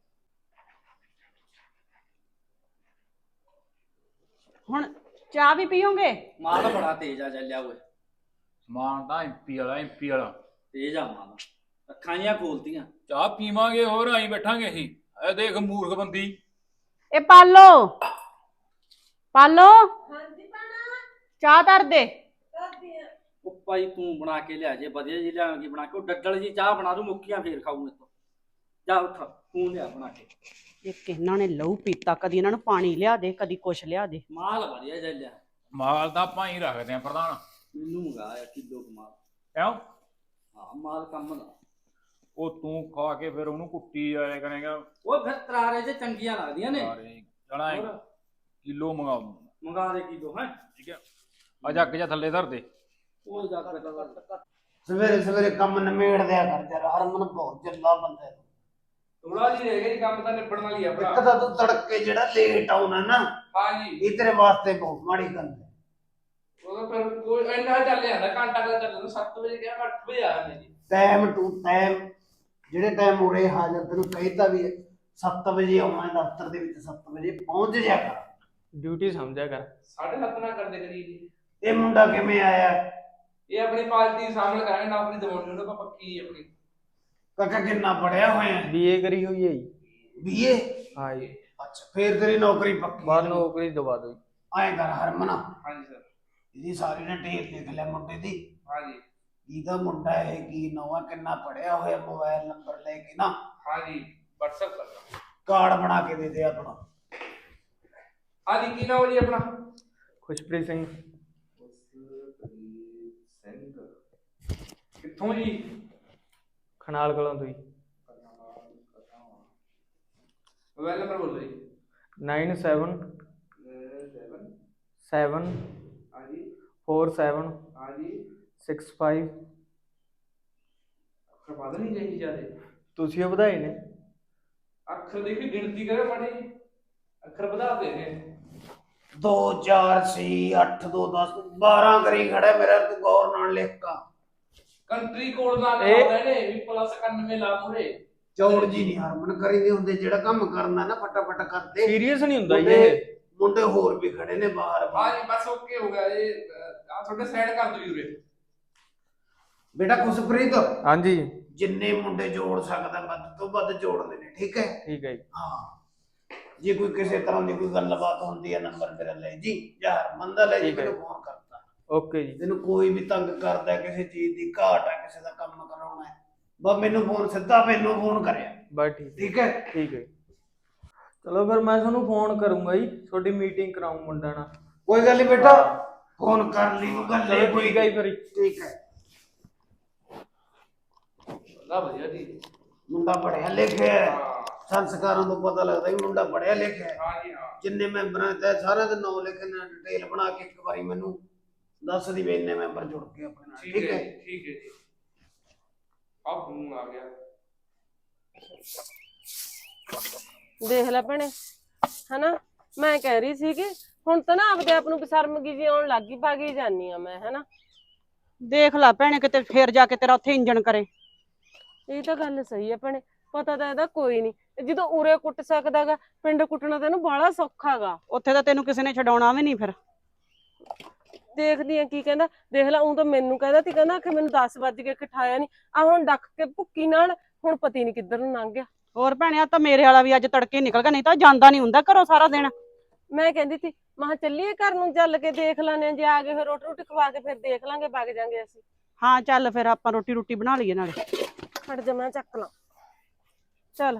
[SPEAKER 4] ਹੁਣ ਚਾਹ ਵੀ ਪੀਓਗੇ?
[SPEAKER 1] ਮਾਲ ਬੜਾ ਤੇਜ਼ ਆ ਜੱਲਿਆ ਓਏ।
[SPEAKER 2] ਸਮਾਨ ਤਾਂ ਐਮਪੀ ਵਾਲਾ ਐਮਪੀ ਵਾਲਾ
[SPEAKER 1] ਤੇਜ਼ ਆ ਮਾਲ, ਅੱਖਾਂ ਜੀਆਂ ਖੋਲਤੀਆਂ।
[SPEAKER 2] ਚਾਹ ਪੀਵਾਂਗੇ, ਹੋਰ ਆਈ ਬੈਠਾਂਗੇ ਅਸੀਂ। ਇਹ ਦੇਖ ਮੂਰਖ ਬੰਦੀ।
[SPEAKER 4] ਇਹ ਪਾਲੋ, ਪਾਲੋ ਚਾਹ ਧਰ ਦੇ।
[SPEAKER 1] ਉਹ ਭਾਈ ਤੂੰ ਬਣਾ ਕੇ ਲਿਆ ਜੇ, ਵਧੀਆ ਜੀ ਲਿਆਵਾਂਗੀ ਬਣਾ ਕੇ। ਉਹ ਡੱਡਲ ਜੀ ਚਾਹ ਬਣਾ ਦੂੰ, ਮੁੱਕੀਆਂ ਫੇਰ ਖਾਊ ਮੇਰੇ ਤੋਂ। ਜਾ ਉੱਠ, ਤੂੰ ਲਿਆ ਬਣਾ ਕੇ।
[SPEAKER 4] ਇੱਕ ਇਹਨਾਂ ਨੇ ਲਹੂ ਪੀਤਾ, ਕਦੀ ਇਹਨਾਂ ਨੂੰ ਪਾਣੀ ਲਿਆ ਦੇ, ਕਦੀ ਕੁਛ ਲਿਆ ਦੇ।
[SPEAKER 1] ਮਾਲ ਵਧੀਆ ਜੱਲਿਆ।
[SPEAKER 2] ਮਾਲ ਤਾਂ ਆਪਾਂ ਹੀ ਰੱਖਦੇ ਆ ਪ੍ਰਧਾਨ।
[SPEAKER 1] ਮੈਨੂੰ ਮੰਗਾ ਕਿਲੋ ਕੁ ਮਾਲ।
[SPEAKER 2] ਕਿਉਂ?
[SPEAKER 1] ਹਾਂ ਮਾਲ ਕੰਮ ਦਾ।
[SPEAKER 2] ਉਹ ਤੂੰ ਖਾ ਕੇ ਫਿਰ ਉਹਨੂੰ ਕੁੱਟੀ ਆਇਆ ਕਰੇਗਾ।
[SPEAKER 1] ਉਹ ਫਿਰ ਤਰਾਰੇ ਚ ਚੰਗੀਆਂ ਲੱਗਦੀਆਂ ਨੇ।
[SPEAKER 2] ਸਾਰੇ ਚਲਾ
[SPEAKER 1] ਹੋਰ?
[SPEAKER 2] ਕਿਲੋ ਮੰਗਾ ਦੂੰ,
[SPEAKER 1] ਮੰਗਾ ਦੇ ਕਿਲੋ ਹੈ।
[SPEAKER 2] ਠੀਕ ਹੈ? ਆ ਜੱਗ ਜਾ ਥੱਲੇ ਧਰ ਦੇ।
[SPEAKER 1] ਉਹ ਜਾ ਕੇ ਤਾਂ
[SPEAKER 3] ਸਵੇਰੇ ਸਵੇਰੇ ਕੰਮ ਨਿਮੇੜ ਦਿਆ ਕਰ ਯਾਰ, ਹਰਮਨ ਬਹੁਤ ਜੱਲਾ ਬੰਦਾ ਹੈ।
[SPEAKER 2] ਥੋੜਾ ਜੀ ਰਹਿ ਗਿਆ ਜੀ, ਕੰਮ ਤਾਂ ਨਿਬੜਨ ਵਾਲੀ ਆ
[SPEAKER 3] ਇੱਕ ਤਾਂ ਤੂੰ ਤੜਕੇ ਜਿਹੜਾ ਲੇਟ ਆਉਣਾ ਨਾ,
[SPEAKER 2] ਹਾਂ ਜੀ।
[SPEAKER 3] ਇਹ ਤੇਰੇ ਵਾਸਤੇ ਬਹੁਤ ਮਾੜੀ ਗੱਲ ਹੈ।
[SPEAKER 2] ਉਹ ਫਿਰ ਕੋਈ ਇੰਨਾ ਚੱਲ ਜਾਂਦਾ, ਘੰਟਾ ਕੁ ਚੱਲ ਜਾਂਦਾ। ਸੱਤ ਵਜੇ ਗਿਆ, ਅੱਠ ਵਜੇ ਆ ਜਾਂਦੇ ਜੀ।
[SPEAKER 3] ਟਾਈਮ ਟੂ ਟਾਈਮ, ਜਿਹੜੇ ਟਾਈਮ ਉਰੇ ਹਾਜ਼ਰ ਤੈਨੂੰ ਕਹਿਤਾ ਵੀ ਸੱਤ ਵਜੇ ਆਉਣਾ ਦਫ਼ਤਰ ਦੇ ਵਿੱਚ, ਸੱਤ ਵਜੇ ਪਹੁੰਚ ਜਾ ਕਰ।
[SPEAKER 1] ਡਿਊਟੀ ਸਮਝਿਆ ਕਰ।
[SPEAKER 2] ਸਾਢੇ ਸੱਤ ਨਾ ਕਰਦੇ ਕਰੀ ਜੀ।
[SPEAKER 3] ਇਹ ਮੁੰਡਾ ਕਿਵੇਂ ਆਇਆ?
[SPEAKER 2] ਇਹ ਆਪਣੀ ਪਾਰਟੀ ਸ਼ਾਮਲ ਕਰਾਂਗੇ ਨਾ, ਆਪਣੀ ਦਵਾਉਣੀ ਉਹਨਾਂ ਦਾ ਪੱਕੀ ਆਪਣੀ।
[SPEAKER 3] ਕਾਕਾ ਕਿੰਨਾ ਪੜਿਆ ਹੋਇਆ?
[SPEAKER 1] ਬੀਏ ਕਰੀ ਹੋਈ ਹੈ ਜੀ।
[SPEAKER 3] ਬੀਏ?
[SPEAKER 1] ਹਾਂ ਜੀ।
[SPEAKER 3] ਅੱਛਾ, ਫੇਰ ਤੇਰੀ ਨੌਕਰੀ ਪੱਕੀ।
[SPEAKER 1] ਬਾਹਰ ਨੌਕਰੀ ਦਵਾ ਦੋ।
[SPEAKER 3] ਐਂ ਕਰ ਹਰਮਨ,
[SPEAKER 2] ਹਾਂਜੀ ਸਰ।
[SPEAKER 3] ਇਹਦੀ ਸਾਰੀ ਡਿਟੇਲ ਲਿਖ ਲੈ ਮੁੰਡੇ ਦੀ।
[SPEAKER 2] ਹਾਂਜੀ
[SPEAKER 3] ਇਹਦਾ ਮੁੰਡਾ ਹੈ, ਕੀ ਨਵਾਂ, ਕਿੰਨਾ ਪੜਿਆ ਹੋਇਆ, ਮੋਬਾਈਲ ਨੰਬਰ ਲੈ ਕੇ ਨਾ
[SPEAKER 2] ਹਾਂਜੀ WhatsApp ਕਰ ਦਾਂ।
[SPEAKER 3] ਕਾਰਡ ਬਣਾ ਕੇ ਦੇ ਦੇ ਆਪਣਾ।
[SPEAKER 2] ਹਾਂਜੀ ਕੀ ਨਾਮ ਜੀ ਆਪਣਾ?
[SPEAKER 1] ਖੁਸ਼ਪ੍ਰੀਤ ਸਿੰਘ।
[SPEAKER 2] ਕਿੱਥੋਂ ਜੀ?
[SPEAKER 1] ਖਨਾਲ ਕੋਲੋਂ ਤੋਂ ਹੀ।
[SPEAKER 2] ਮੋਬਾਈਲ ਨੰਬਰ ਬੋਲੋ ਜੀ।
[SPEAKER 1] ਨਾਈਨ ਸੈਵਨ ਸੈਵਨ
[SPEAKER 2] ਹਾਂਜੀ
[SPEAKER 1] ਫੋਰ ਸੈਵਨ
[SPEAKER 2] ਹਾਂਜੀ
[SPEAKER 1] ਸਿਕਸ ਫਾਈਵ
[SPEAKER 6] ਅੱਖਰ ਵੱਧ ਨਹੀਂ ਰਹੀ ਜਿਆਦੇ।
[SPEAKER 7] ਤੁਸੀਂ ਉਹ ਵਧਾਏ ਨੇ।
[SPEAKER 6] ਅੱਖਰ ਦੇਖੀ ਗਿਣਤੀ ਕਰੇ ਮਾੜੀ ਜਿਹੀ। ਅੱਖਰ ਵਧਾਤੇ ਨੇ।
[SPEAKER 3] ਦੋ ਚਾਰ ਛੇ ਅੱਠ ਦੋ ਦਸ ਬਾਰਾਂ ਕਰੀ ਖੜਾ ਮੇਰਾ, ਤੂੰ ਗੌਰ ਨਾਲ ਲਿਖ ਕਾ।
[SPEAKER 6] ਕੰਟਰੀ ਕੋਡ ਨਾਲ
[SPEAKER 7] ਇਹ-
[SPEAKER 6] ਲਾਉਂਦੇ ਨੇ ਵੀ ਪਲੱਸ ਇਕਾਨਵੇਂ ਲਾ ਮੂਰੇ।
[SPEAKER 3] ਚੌੜ ਜੀ ਨਹੀਂ ਹਰਮਨ ਕਰੀ ਦੇ ਹੁੰਦੇ, ਜਿਹੜਾ ਕੰਮ ਕਰਨਾ ਨਾ ਫਟਾਫਟ ਕਰਦੇ।
[SPEAKER 7] ਸੀਰੀਅਸ ਨਹੀਂ ਹੁੰਦਾ ਜੀ
[SPEAKER 3] ਮੁੰਡੇ
[SPEAKER 7] ਇਹ।
[SPEAKER 3] ਮੁੰਡੇ ਹੋਰ ਵੀ ਖੜੇ ਨੇ ਬਾਹਰ।
[SPEAKER 6] ਹਾਂ ਜੀ ਬਸ ਓਕੇ ਹੋ ਗਿਆ ਇਹ। ਆ ਤੁਹਾਡੇ ਸਾਈਡ ਕਰ ਦਿਓ ਜੀ ਉਰੇ।
[SPEAKER 3] ਬੇਟਾ ਖੁਸ਼ਪ੍ਰੀਤ,
[SPEAKER 7] ਹਾਂਜੀ
[SPEAKER 3] ਜਿੰਨੇ ਮੁੰਡੇ ਜੋੜ ਸਕਦਾ ਵੱਧ ਤੋਂ ਵੱਧ ਜੋੜਦੇ ਨੇ, ਠੀਕ ਹੈ?
[SPEAKER 7] ਠੀਕ ਹੈ ਜੀ।
[SPEAKER 3] ਹਾਂ, ਜੇ ਕੋਈ ਕਿਸੇ ਤਰ੍ਹਾਂ ਦੀ ਕੋਈ ਗੱਲਬਾਤ ਹੁੰਦੀ ਹੈ ਨੰਬਰ ਮੇਰਾ ਲੈ ਜੀ, ਜਾਂ ਹਰਮਨ ਦਾ ਲੈ ਜੀ,
[SPEAKER 7] ਠੀਕ ਹੈ।
[SPEAKER 3] ਮੈਨੂੰ ਫੋਨ ਕਰਤਾ।
[SPEAKER 7] ਓਕੇ ਜੀ।
[SPEAKER 3] ਤੈਨੂੰ ਕੋਈ ਵੀ ਤੰਗ ਕਰਦਾ, ਕਿਸੇ ਚੀਜ਼ ਦੀ ਘਾਟ ਹੈ, ਕਿਸੇ ਦਾ ਕੰਮ ਕਰਾਉਣਾ ਹੈ, ਬਸ ਮੈਨੂੰ ਫੋਨ ਸਿੱਧਾ ਮੈਨੂੰ ਫੋਨ ਕਰਿਆ,
[SPEAKER 7] ਬਸ ਠੀਕ
[SPEAKER 3] ਠੀਕ ਹੈ?
[SPEAKER 7] ਠੀਕ ਹੈ। ਚਲੋ ਫਿਰ ਮੈਂ ਤੁਹਾਨੂੰ ਫੋਨ ਕਰੂੰਗਾ ਜੀ, ਤੁਹਾਡੀ ਮੀਟਿੰਗ ਕਰਾਉਂ ਮੁੰਡਾ ਨਾਲ।
[SPEAKER 3] ਕੋਈ ਗੱਲ ਨਹੀਂ ਬੇਟਾ, ਫੋਨ ਕਰ ਲਈ ਤੂੰ ਗੱਲ
[SPEAKER 7] ਚਲੋ ਠੀਕ ਹੈ ਜੀ ਫਿਰ।
[SPEAKER 3] ਠੀਕ ਹੈ।
[SPEAKER 6] ਲਾ ਵਧੀਆ ਜੀ।
[SPEAKER 3] ਮੁੰਡਾ ਪੜਿਆ ਲਿਖਿਆ ਹੈ,
[SPEAKER 6] ਹਾਂ
[SPEAKER 3] ਸੰਸਕਾਰਾਂ ਤੋਂ ਪਤਾ ਲੱਗਦਾ ਕਿ ਮੁੰਡਾ ਪੜਿਆ ਲਿਖਿਆ ਹੈ।
[SPEAKER 6] ਹਾਂ ਜੀ ਹਾਂ।
[SPEAKER 3] ਜਿੰਨੇ ਮੈਂਬਰਾਂ ਤੇ ਸਾਰਿਆਂ ਦੇ ਨਾਮ ਲਿਖੇ ਨੇ, ਡਿਟੇਲ ਬਣਾ ਕੇ ਇੱਕ ਵਾਰੀ ਮੈਨੂੰ ਦੱਸ ਦੀ ਵੀ ਇੰਨੇ ਮੈਂਬਰ ਜੁੜ ਕੇ ਆਪਣੇ ਨਾਲ,
[SPEAKER 6] ਠੀਕ
[SPEAKER 3] ਠੀਕ
[SPEAKER 6] ਹੈ
[SPEAKER 3] ਹੈ?
[SPEAKER 6] ਜੀ, ਠੀਕ ਹੈ ਜੀ। ਆ ਫੋਨ ਆ ਗਿਆ।
[SPEAKER 5] ਦੇਖ ਲੈ ਭੈਣੇ, ਹਨਾ ਮੈਂ ਕਹਿ ਰਹੀ ਸੀ ਕਿ ਹੁਣ ਤਾਂ ਨਾ ਆਪਦੇ ਆਪ ਨੂੰ ਬਸ਼ਰਮਗੀ ਜੀ ਆਉਣ ਲੱਗੀ, ਭਾਗੀ ਜਾਨੀ ਆ ਮੈਂ, ਹਨਾ।
[SPEAKER 4] ਦੇਖ ਲੈ ਭੈਣੇ, ਕਿਤੇ ਫੇਰ ਜਾ ਕੇ ਤੇਰਾ ਉੱਥੇ ਇੰਜਣ ਕਰੇ।
[SPEAKER 5] ਇਹ ਤਾਂ ਗੱਲ ਸਹੀ ਹੈ ਭੈਣੇ, ਪਤਾ ਤਾਂ ਇਹਦਾ ਕੋਈ ਨਹੀਂ। ਜਦੋਂ ਉਰੇ ਕੁੱਟ ਸਕਦਾਗਾ, ਪਿੰਡ ਕੁੱਟਣਾ ਤਾਂ ਇਹਨੂੰ ਬਾਹਲਾ ਸੌਖਾਗਾ।
[SPEAKER 4] ਉੱਥੇ ਤਾਂ ਤੈਨੂੰ ਕਿਸੇ ਨੇ ਛਡਾਉਣਾ ਵੀ ਨਹੀਂ ਫਿਰ।
[SPEAKER 5] ਦੇਖਦੀ ਆ ਕੀ ਕਹਿੰਦਾ। ਦੇਖ ਲੈ, ਉਹ ਤਾਂ ਮੈਨੂੰ ਕਹਿੰਦਾ ਸੀ, ਕਹਿੰਦਾ ਕਿ ਮੈਨੂੰ ਦਸ ਵੱਜ ਕੇ ਉਠਾਇਆ ਨਹੀਂ। ਆ ਹੁਣ ਡੱਕ ਕੇ ਭੁੱਕੀ ਨਾਲ ਹੁਣ ਪਤੀ ਨਹੀਂ ਕਿੱਧਰ ਨੂੰ ਲੰਘ ਗਿਆ।
[SPEAKER 4] ਹੋਰ ਭੈਣੇ, ਆ ਤਾਂ ਮੇਰੇ ਵਾਲਾ ਵੀ ਅੱਜ ਤੜਕੇ ਨਿਕਲ ਗਿਆ, ਨਹੀਂ ਤਾਂ ਜਾਂਦਾ ਨਹੀਂ ਹੁੰਦਾ ਘਰੋਂ ਸਾਰਾ ਦਿਨ।
[SPEAKER 5] ਮੈਂ ਕਹਿੰਦੀ ਸੀ, ਮੈਂ ਚੱਲੀਏ ਘਰ ਨੂੰ, ਚੱਲ ਕੇ ਦੇਖ ਲੈਣੇ, ਜੇ ਆ ਗਏ ਫਿਰ ਰੋਟੀ ਰੋਟੀ ਖਵਾ ਕੇ ਫਿਰ ਦੇਖ ਲਾਂਗੇ, ਵਗ ਜਾਾਂਗੇ ਅਸੀਂ।
[SPEAKER 4] ਹਾਂ ਚੱਲ ਫਿਰ ਆਪਾਂ ਰੋਟੀ ਰੋਟੀ ਬਣਾ ਲਈਏ ਨਾਲੇ।
[SPEAKER 5] ਹਟ ਜਾ, ਮੈਂ ਚੱਕ ਲਾਂ। ਚੱਲ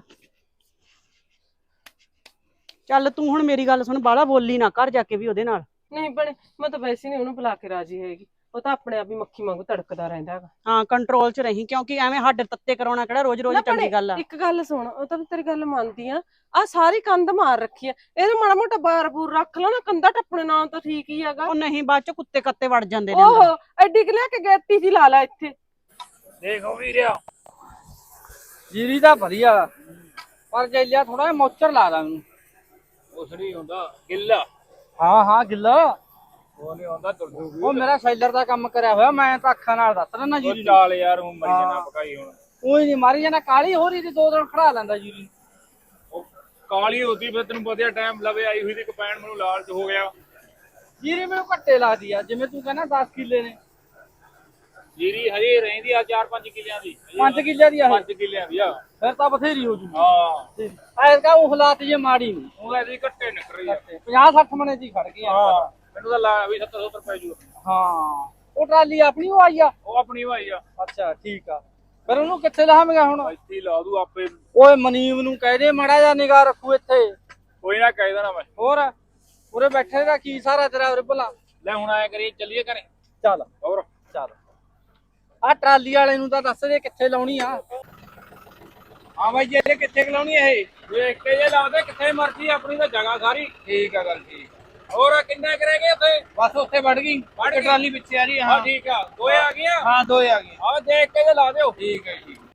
[SPEAKER 4] ਚੱਲ ਤੂੰ ਹੁਣ ਮੇਰੀ ਗੱਲ ਸੁਣ, ਬਾਹਲਾ ਬੋਲੀ ਨਾ ਘਰ ਜਾ ਕੇ ਵੀ ਉਹਦੇ ਨਾਲ।
[SPEAKER 5] ਨਹੀਂ ਭੈਣੇ, ਮੈਂ ਤਾਂ ਵੈਸੇ ਨਹੀਂ ਉਹਨੂੰ ਬੁਲਾ ਕੇ ਰਾਜੀ ਹੈਗੀ। ਉਹ ਤਾਂ ਆਪਣੇ ਆਪ ਹੀ ਮੱਖੀ ਵਾਂਗੂ ਤੜਕਦਾ ਰਹਿੰਦਾ ਹੈਗਾ।
[SPEAKER 4] ਹਾਂ ਕੰਟਰੋਲ 'ਚ ਰਹੀਂ, ਕਿਉਂਕਿ ਐਵੇਂ ਹੱਡ ਤੱਤੇ ਕਰਾਉਣਾ ਕਿਹੜਾ ਰੋਜ਼ ਰੋਜ਼ ਚੰਗੀ ਗੱਲ ਆ।
[SPEAKER 5] ਇੱਕ ਗੱਲ ਸੁਣ, ਉਹ ਤਾਂ ਤੇਰੀ ਗੱਲ ਮੰਨਦੀ ਆ, ਆ ਸਾਰੀ ਕੰਧ ਮਾਰ ਰੱਖੀ ਆ, ਇਹਦਾ ਮਾੜਾ ਮੋਟਾ ਬਾਰ ਬੂਰ ਰੱਖ ਲਾ ਨਾ, ਕੰਧਾ ਟੱਪਣੇ ਨਾਲ ਤਾਂ ਠੀਕ ਹੀ ਹੈਗਾ।
[SPEAKER 4] ਉਹ ਨਹੀਂ, ਬਾਅਦ 'ਚ ਕੁੱਤੇ ਕੱਤੇ ਵੜ ਜਾਂਦੇ ਨੇ ਅੰਦਰ।
[SPEAKER 5] ਓਹੋ, ਐਡੀ ਕਿ ਲਿਆ ਕੇ ਗੈਤੀ ਜੀ ਲਾ ਲੈ ਇੱਥੇ।
[SPEAKER 1] ਦੇਖੋ ਵੀਰਿਆ, ਜੀਰੀ ਤਾਂ ਵਧੀਆ, ਪਰ ਜੈਲਿਆ ਥੋੜਾ ਜਿਹਾ ਮੋਚਰ ਲਾ ਦਾ ਮੈਨੂੰ।
[SPEAKER 2] ਉਸ ਨਹੀਂ ਹੁੰਦਾ ਗਿੱਲਾ।
[SPEAKER 1] ਹਾਂ ਹਾਂ ਗਿੱਲਾ,
[SPEAKER 2] ਉਹ ਨਹੀਂ ਹੁੰਦਾ ਤੁਰਦੂ।
[SPEAKER 1] ਉਹ ਮੇਰਾ ਸ਼ੈਲਰ ਦਾ ਕੰਮ ਕਰਿਆ ਹੋਇਆ, ਮੈਂ ਤਾਂ ਅੱਖਾਂ ਨਾਲ ਦੱਸ ਰਿਹਾ ਜੀਰੀ ਨੂੰ।
[SPEAKER 2] ਚਾਲ ਯਾਰ, ਉਹ ਮਰੀ ਜਾਣਾ ਪਕਾਈ ਹੁਣ।
[SPEAKER 1] ਕੋਈ ਨਹੀਂ ਮਾਰੀ ਜਾਣਾ, ਕਾਲੀ ਹੋ ਰਹੀ ਸੀ, ਦੋ ਦਿਨ ਖੜਾ ਲੈਂਦਾ ਜੀਰੀ।
[SPEAKER 2] ਉਹ ਕਾਲੀ ਹੁੰਦੀ ਫਿਰ ਤੈਨੂੰ ਵਧੀਆ ਟਾਈਮ ਲਵੇ ਆਈ ਹੋਈ ਦੀ ਕਪੈਣ, ਮੈਨੂੰ ਲਾਲਚ ਹੋ ਗਿਆ।
[SPEAKER 1] ਜੀਰੀ ਮੈਨੂੰ ਘੱਟੇ ਲੱਗਦੀ ਆ, ਜਿਵੇਂ ਤੂੰ ਕਹਿੰਦਾ ਦਸ ਕਿੱਲੇ ਨੇ।
[SPEAKER 2] ਜੀਰੀ ਹਜੇ ਰਹਿੰਦੀ ਆ ਚਾਰ ਪੰਜ ਕਿੱਲਿਆਂ ਦੀ।
[SPEAKER 1] ਪੰਜ ਕਿੱਲਿਆਂ ਦੀ ਆ ਇਹ?
[SPEAKER 2] ਪੰਜ ਕਿੱਲਿਆਂ ਦੀ ਆ।
[SPEAKER 1] ਫਿਰ ਤਾਂ ਬਥੇਰੀ ਹੋ ਜੂਗੀ।
[SPEAKER 2] ਹਾਂ,
[SPEAKER 1] ਐਸਾ ਉਹ ਹਾਲਾਤ ਜੇ ਮਾੜੀ ਨਹੀਂ।
[SPEAKER 2] ਉਹ ਐਦੀ ਘੱਟੇ ਨਿਕਲ ਰਹੀ ਆ।
[SPEAKER 1] ਪੰਜਾਹ ਸੱਠ ਮਣੇ ਦੀ ਖੜ ਗਈ ਆ।
[SPEAKER 2] ਹਾਂ, ਮੈਨੂੰ ਤਾਂ ਲਾ ਵੀ ਸੱਤਰ ਸੱਤਰ ਪੈ ਜੂ।
[SPEAKER 1] ਹਾਂ, ਉਹ ਟਰਾਲੀ ਆਪਣੀ ਉਹ ਆਈ ਆ।
[SPEAKER 2] ਉਹ ਆਪਣੀ ਭਾਈ ਆ।
[SPEAKER 1] ਅੱਛਾ ਠੀਕ ਆ, ਫਿਰ ਉਹਨੂੰ ਕਿੱਥੇ ਲਾਵਾਂਗਾ ਹੁਣ?
[SPEAKER 2] ਇੱਥੇ ਹੀ ਲਾ ਦੂ ਆਪੇ।
[SPEAKER 1] ਓਏ ਮਨੀਮ ਨੂੰ ਕਹਿ ਦੇ ਮਾੜਾ ਜਿਹਾ ਨਿਗਾਹ ਰੱਖੂ ਇੱਥੇ।
[SPEAKER 2] ਕੋਈ ਨਾ ਕਹਿ ਦੇਣਾ ਮੈਂ।
[SPEAKER 1] ਹੋਰ ਉਰੇ ਬੈਠੇ ਦਾ ਕੀ ਸਾਰਾ ਤੇਰਾ ਉਰੇ ਭਲਾ।
[SPEAKER 2] ਲੈ ਹੁਣ ਆਇਆ ਕਰੀਏ, ਚੱਲੀਏ ਘਰੇ।
[SPEAKER 1] ਚੱਲ
[SPEAKER 2] ਹੋਰ
[SPEAKER 1] ਚੱਲ, ਆ ਟਰਾਲੀ ਵਾਲੇ ਨੂੰ ਤਾਂ ਦੱਸ ਦੇ ਕਿੱਥੇ ਲਾਉਣੀ ਆ।
[SPEAKER 2] ਹਾਂ ਬਾਈ ਜੀ, ਇਹ ਕਿੱਥੇ ਲਾਉਣੀ ਇਹ? ਵੇਖ ਕੇ ਜੇ ਲਾਉਂਦੇ ਕਿੱਥੇ ਮਰਜੀ, ਆਪਣੀ ਤਾਂ ਜਗ੍ਹਾ ਸਾਰੀ। ਠੀਕ ਆ, ਗੱਲ ਠੀਕ। ਹੋਰ ਕਿੰਨਾ ਕਰੇਗੇ ਉੱਥੇ?
[SPEAKER 1] ਬਸ ਉੱਥੇ ਵੜ ਗਈ,
[SPEAKER 2] ਵੜ ਗਈ।
[SPEAKER 1] ਟਰਾਲੀ ਪਿੱਛੇ ਆ ਰਹੀ ਆ।
[SPEAKER 2] ਹਾਂ ਠੀਕ ਆ, ਦੋਏ ਆ ਗਈਆਂ।
[SPEAKER 1] ਹਾਂ ਦੋਏ ਆ ਗਏ।
[SPEAKER 2] ਆਹ ਦੇਖ ਕੇ ਜੇ ਲਾ ਦਿਓ। ਠੀਕ ਹੈ ਜੀ।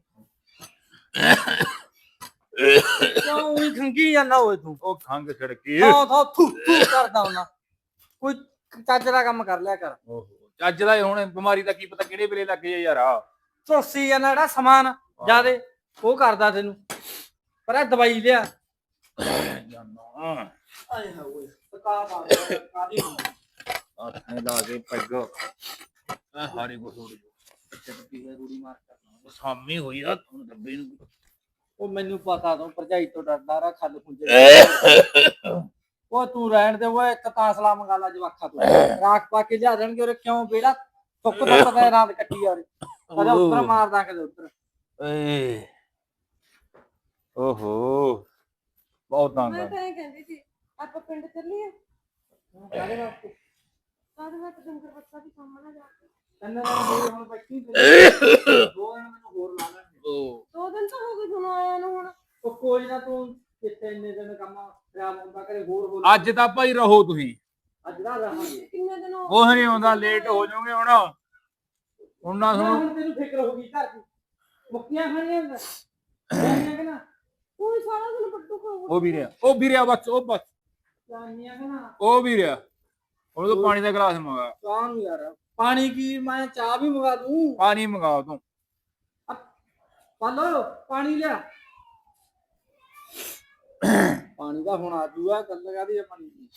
[SPEAKER 1] ਕਿਉਂ ਉਹੀ ਖੰਗੀ ਜਾਂਦਾ ਓਏ ਤੂੰ?
[SPEAKER 2] ਉਹ ਖੰਗ ਛੜਕੀ।
[SPEAKER 1] ਹਾਂ ਥਾ ਥੂ ਥੂ ਕਰਦਾ ਹੁੰਦਾ, ਕੋਈ ਚੱਜ ਦਾ ਕੰਮ ਕਰ ਲਿਆ ਕਰ।
[SPEAKER 2] ਓਹੋ, ਅੱਜ ਦਾ ਹੁਣ ਬਿਮਾਰੀ ਦਾ ਕੀ ਪਤਾ ਕਿਹੜੇ ਵੇਲੇ ਲੱਗ ਜਾਏ ਯਾਰ। ਆ
[SPEAKER 1] ਝੁਲਸੀ ਜਾਂਦਾ ਜਿਹੜਾ ਸਮਾਨ ਜਿਆਦੇ ਉਹ ਕਰਦਾ ਤੈਨੂੰ, ਪਰ ਇਹ ਦਵਾਈ ਲਿਆ।
[SPEAKER 2] ਜਾਨਾ
[SPEAKER 1] ਆਏ ਹੋਏ ਤਕਾ ਮਾਰ ਕਾਦੀ
[SPEAKER 2] ਆਥਣੇ ਲਾ ਕੇ ਪੈਗ ਆ ਹਾਰੇ ਕੋ ਥੋੜੀ
[SPEAKER 1] ਅੱਛਾ ਕੀ ਹੈ ਰੂੜੀ ਮਾਰ ਕਰਨਾ।
[SPEAKER 2] ਸਾਮੀ ਹੋਈ ਆ ਹੁਣ ਡੱਬੇ ਨੂੰ।
[SPEAKER 1] ਉਹ ਮੈਨੂੰ ਪਤਾ ਤੂੰ ਭਰਜਾਈ ਤੋਂ ਡਰਦਾ ਰਾ, ਖੱਲ ਖੁੰਝੇ। ਉਹ ਤੂੰ ਰਹਿਣ ਦੇ, ਉਹ ਇੱਕ ਤਾਸਲਾ ਮੰਗਾ ਲਾ ਜਵਾਖਾ ਤੂੰ, ਰਾਖ ਪਾ ਕੇ ਲਿਆ ਦੇਣਗੇ ਉਰੇ। ਕਿਉਂ ਬੇੜਾ ਤੁੱਕ ਤਾਂ ਪਤਾ ਰਾਤ ਕੱਟੀ ਯਾਰ, ਕਦੇ ਉੱਤਰ ਮਾਰਦਾ ਕਦੇ ਉੱਤਰ।
[SPEAKER 2] ਏ ਓਹੋ, ਬਹੁਤ ਤੰਗ
[SPEAKER 5] ਮੈਂ
[SPEAKER 2] ਆ।
[SPEAKER 5] ਤਾਂ ਇਹ ਕਹਿੰਦੀ ਸੀ, ਆਪਾਂ ਪਿੰਡ ਚੱਲੀਏ।
[SPEAKER 1] ਕਾਹਦੇ ਵਾਸਤੇ?
[SPEAKER 5] ਕਾਹਦੇ ਵਾਸਤੇ? ਡੰਗਰ ਬੱਚਾ ਵੀ ਕੰਮ ਨਾ ਜਾ ਕੇ।
[SPEAKER 1] ਤਿੰਨ ਦਿਨ ਹੋ ਗਏ ਹੁਣ ਬੈਠੀ, ਦੋ ਦਿਨ ਮੈਨੂੰ ਹੋਰ ਲਾ ਲੈਣਗੇ।
[SPEAKER 2] ਓ
[SPEAKER 5] ਦੋ ਦਿਨ ਤਾਂ ਹੋ ਗਏ ਤੁਹਾਨੂੰ ਆਇਆ ਨੂੰ ਹੁਣ।
[SPEAKER 1] ਉਹ ਕੋਈ ਨਾ, ਤੂੰ ਕਿੱਥੇ ਇੰਨੇ ਦਿਨ ਕੰਮ ਖਰਾਬ ਹੁੰਦਾ ਕਰੇ ਹੋਰ ਹੋਰ।
[SPEAKER 2] ਅੱਜ ਤਾਂ ਭਾਈ ਰਹੋ ਤੁਸੀਂ।
[SPEAKER 1] ਅੱਜ ਦਾ ਰਹਾਂਗੇ।
[SPEAKER 5] ਕਿੰਨੇ ਦਿਨ ਹੋ
[SPEAKER 2] ਉਹ ਨਹੀਂ ਆਉਂਦਾ, ਲੇਟ ਹੋ ਜਾਓਗੇ ਹੁਣ। ਹੁਣ ਨਾ ਸੁਣੋ।
[SPEAKER 1] ਹੁਣ ਤੈਨੂੰ ਫਿਕਰ ਹੋ ਗਈ ਘਰ ਦੀ। ਮੁੱਕੀਆਂ ਖਾਣੀਆਂ ਜਾਨੀਆਂ ਕਿ ਨਾ
[SPEAKER 5] ਕੋਈ ਸਾਰਾ ਦਿਨ ਪੱਟੂ ਖਾਊਗਾ।
[SPEAKER 2] ਉਹ ਵੀ ਰਿਹਾ ਉਹ ਵੀ ਰਿਹਾ ਬਸ ਉਹ ਬਸ
[SPEAKER 1] ਜਾਨੀਆਂ ਕਿ ਨਾ
[SPEAKER 2] ਉਹ ਵੀ ਰਿਹਾ ਉਹਨੂੰ ਤਾਂ ਪਾਣੀ ਦਾ ਗਲਾਸ ਮੰਗਾ
[SPEAKER 1] ਚਾਹ ਨੂੰ ਯਾਰ ਪਾਣੀ ਕੀ ਮੈਂ ਚਾਹ ਵੀ ਮੰਗਾ ਦੂੰ
[SPEAKER 2] ਪਾਣੀ ਮੰਗਾ ਤੂੰ
[SPEAKER 1] ਪਾਲੋ ਪਾਣੀ ਲਿਆ ਪਾਣੀ ਦਾ ਹੁਣ ਆਜੂਗਾ ਕੱਲ ਲਗਾ ਦੀ ਪਾਣੀ ਦੀ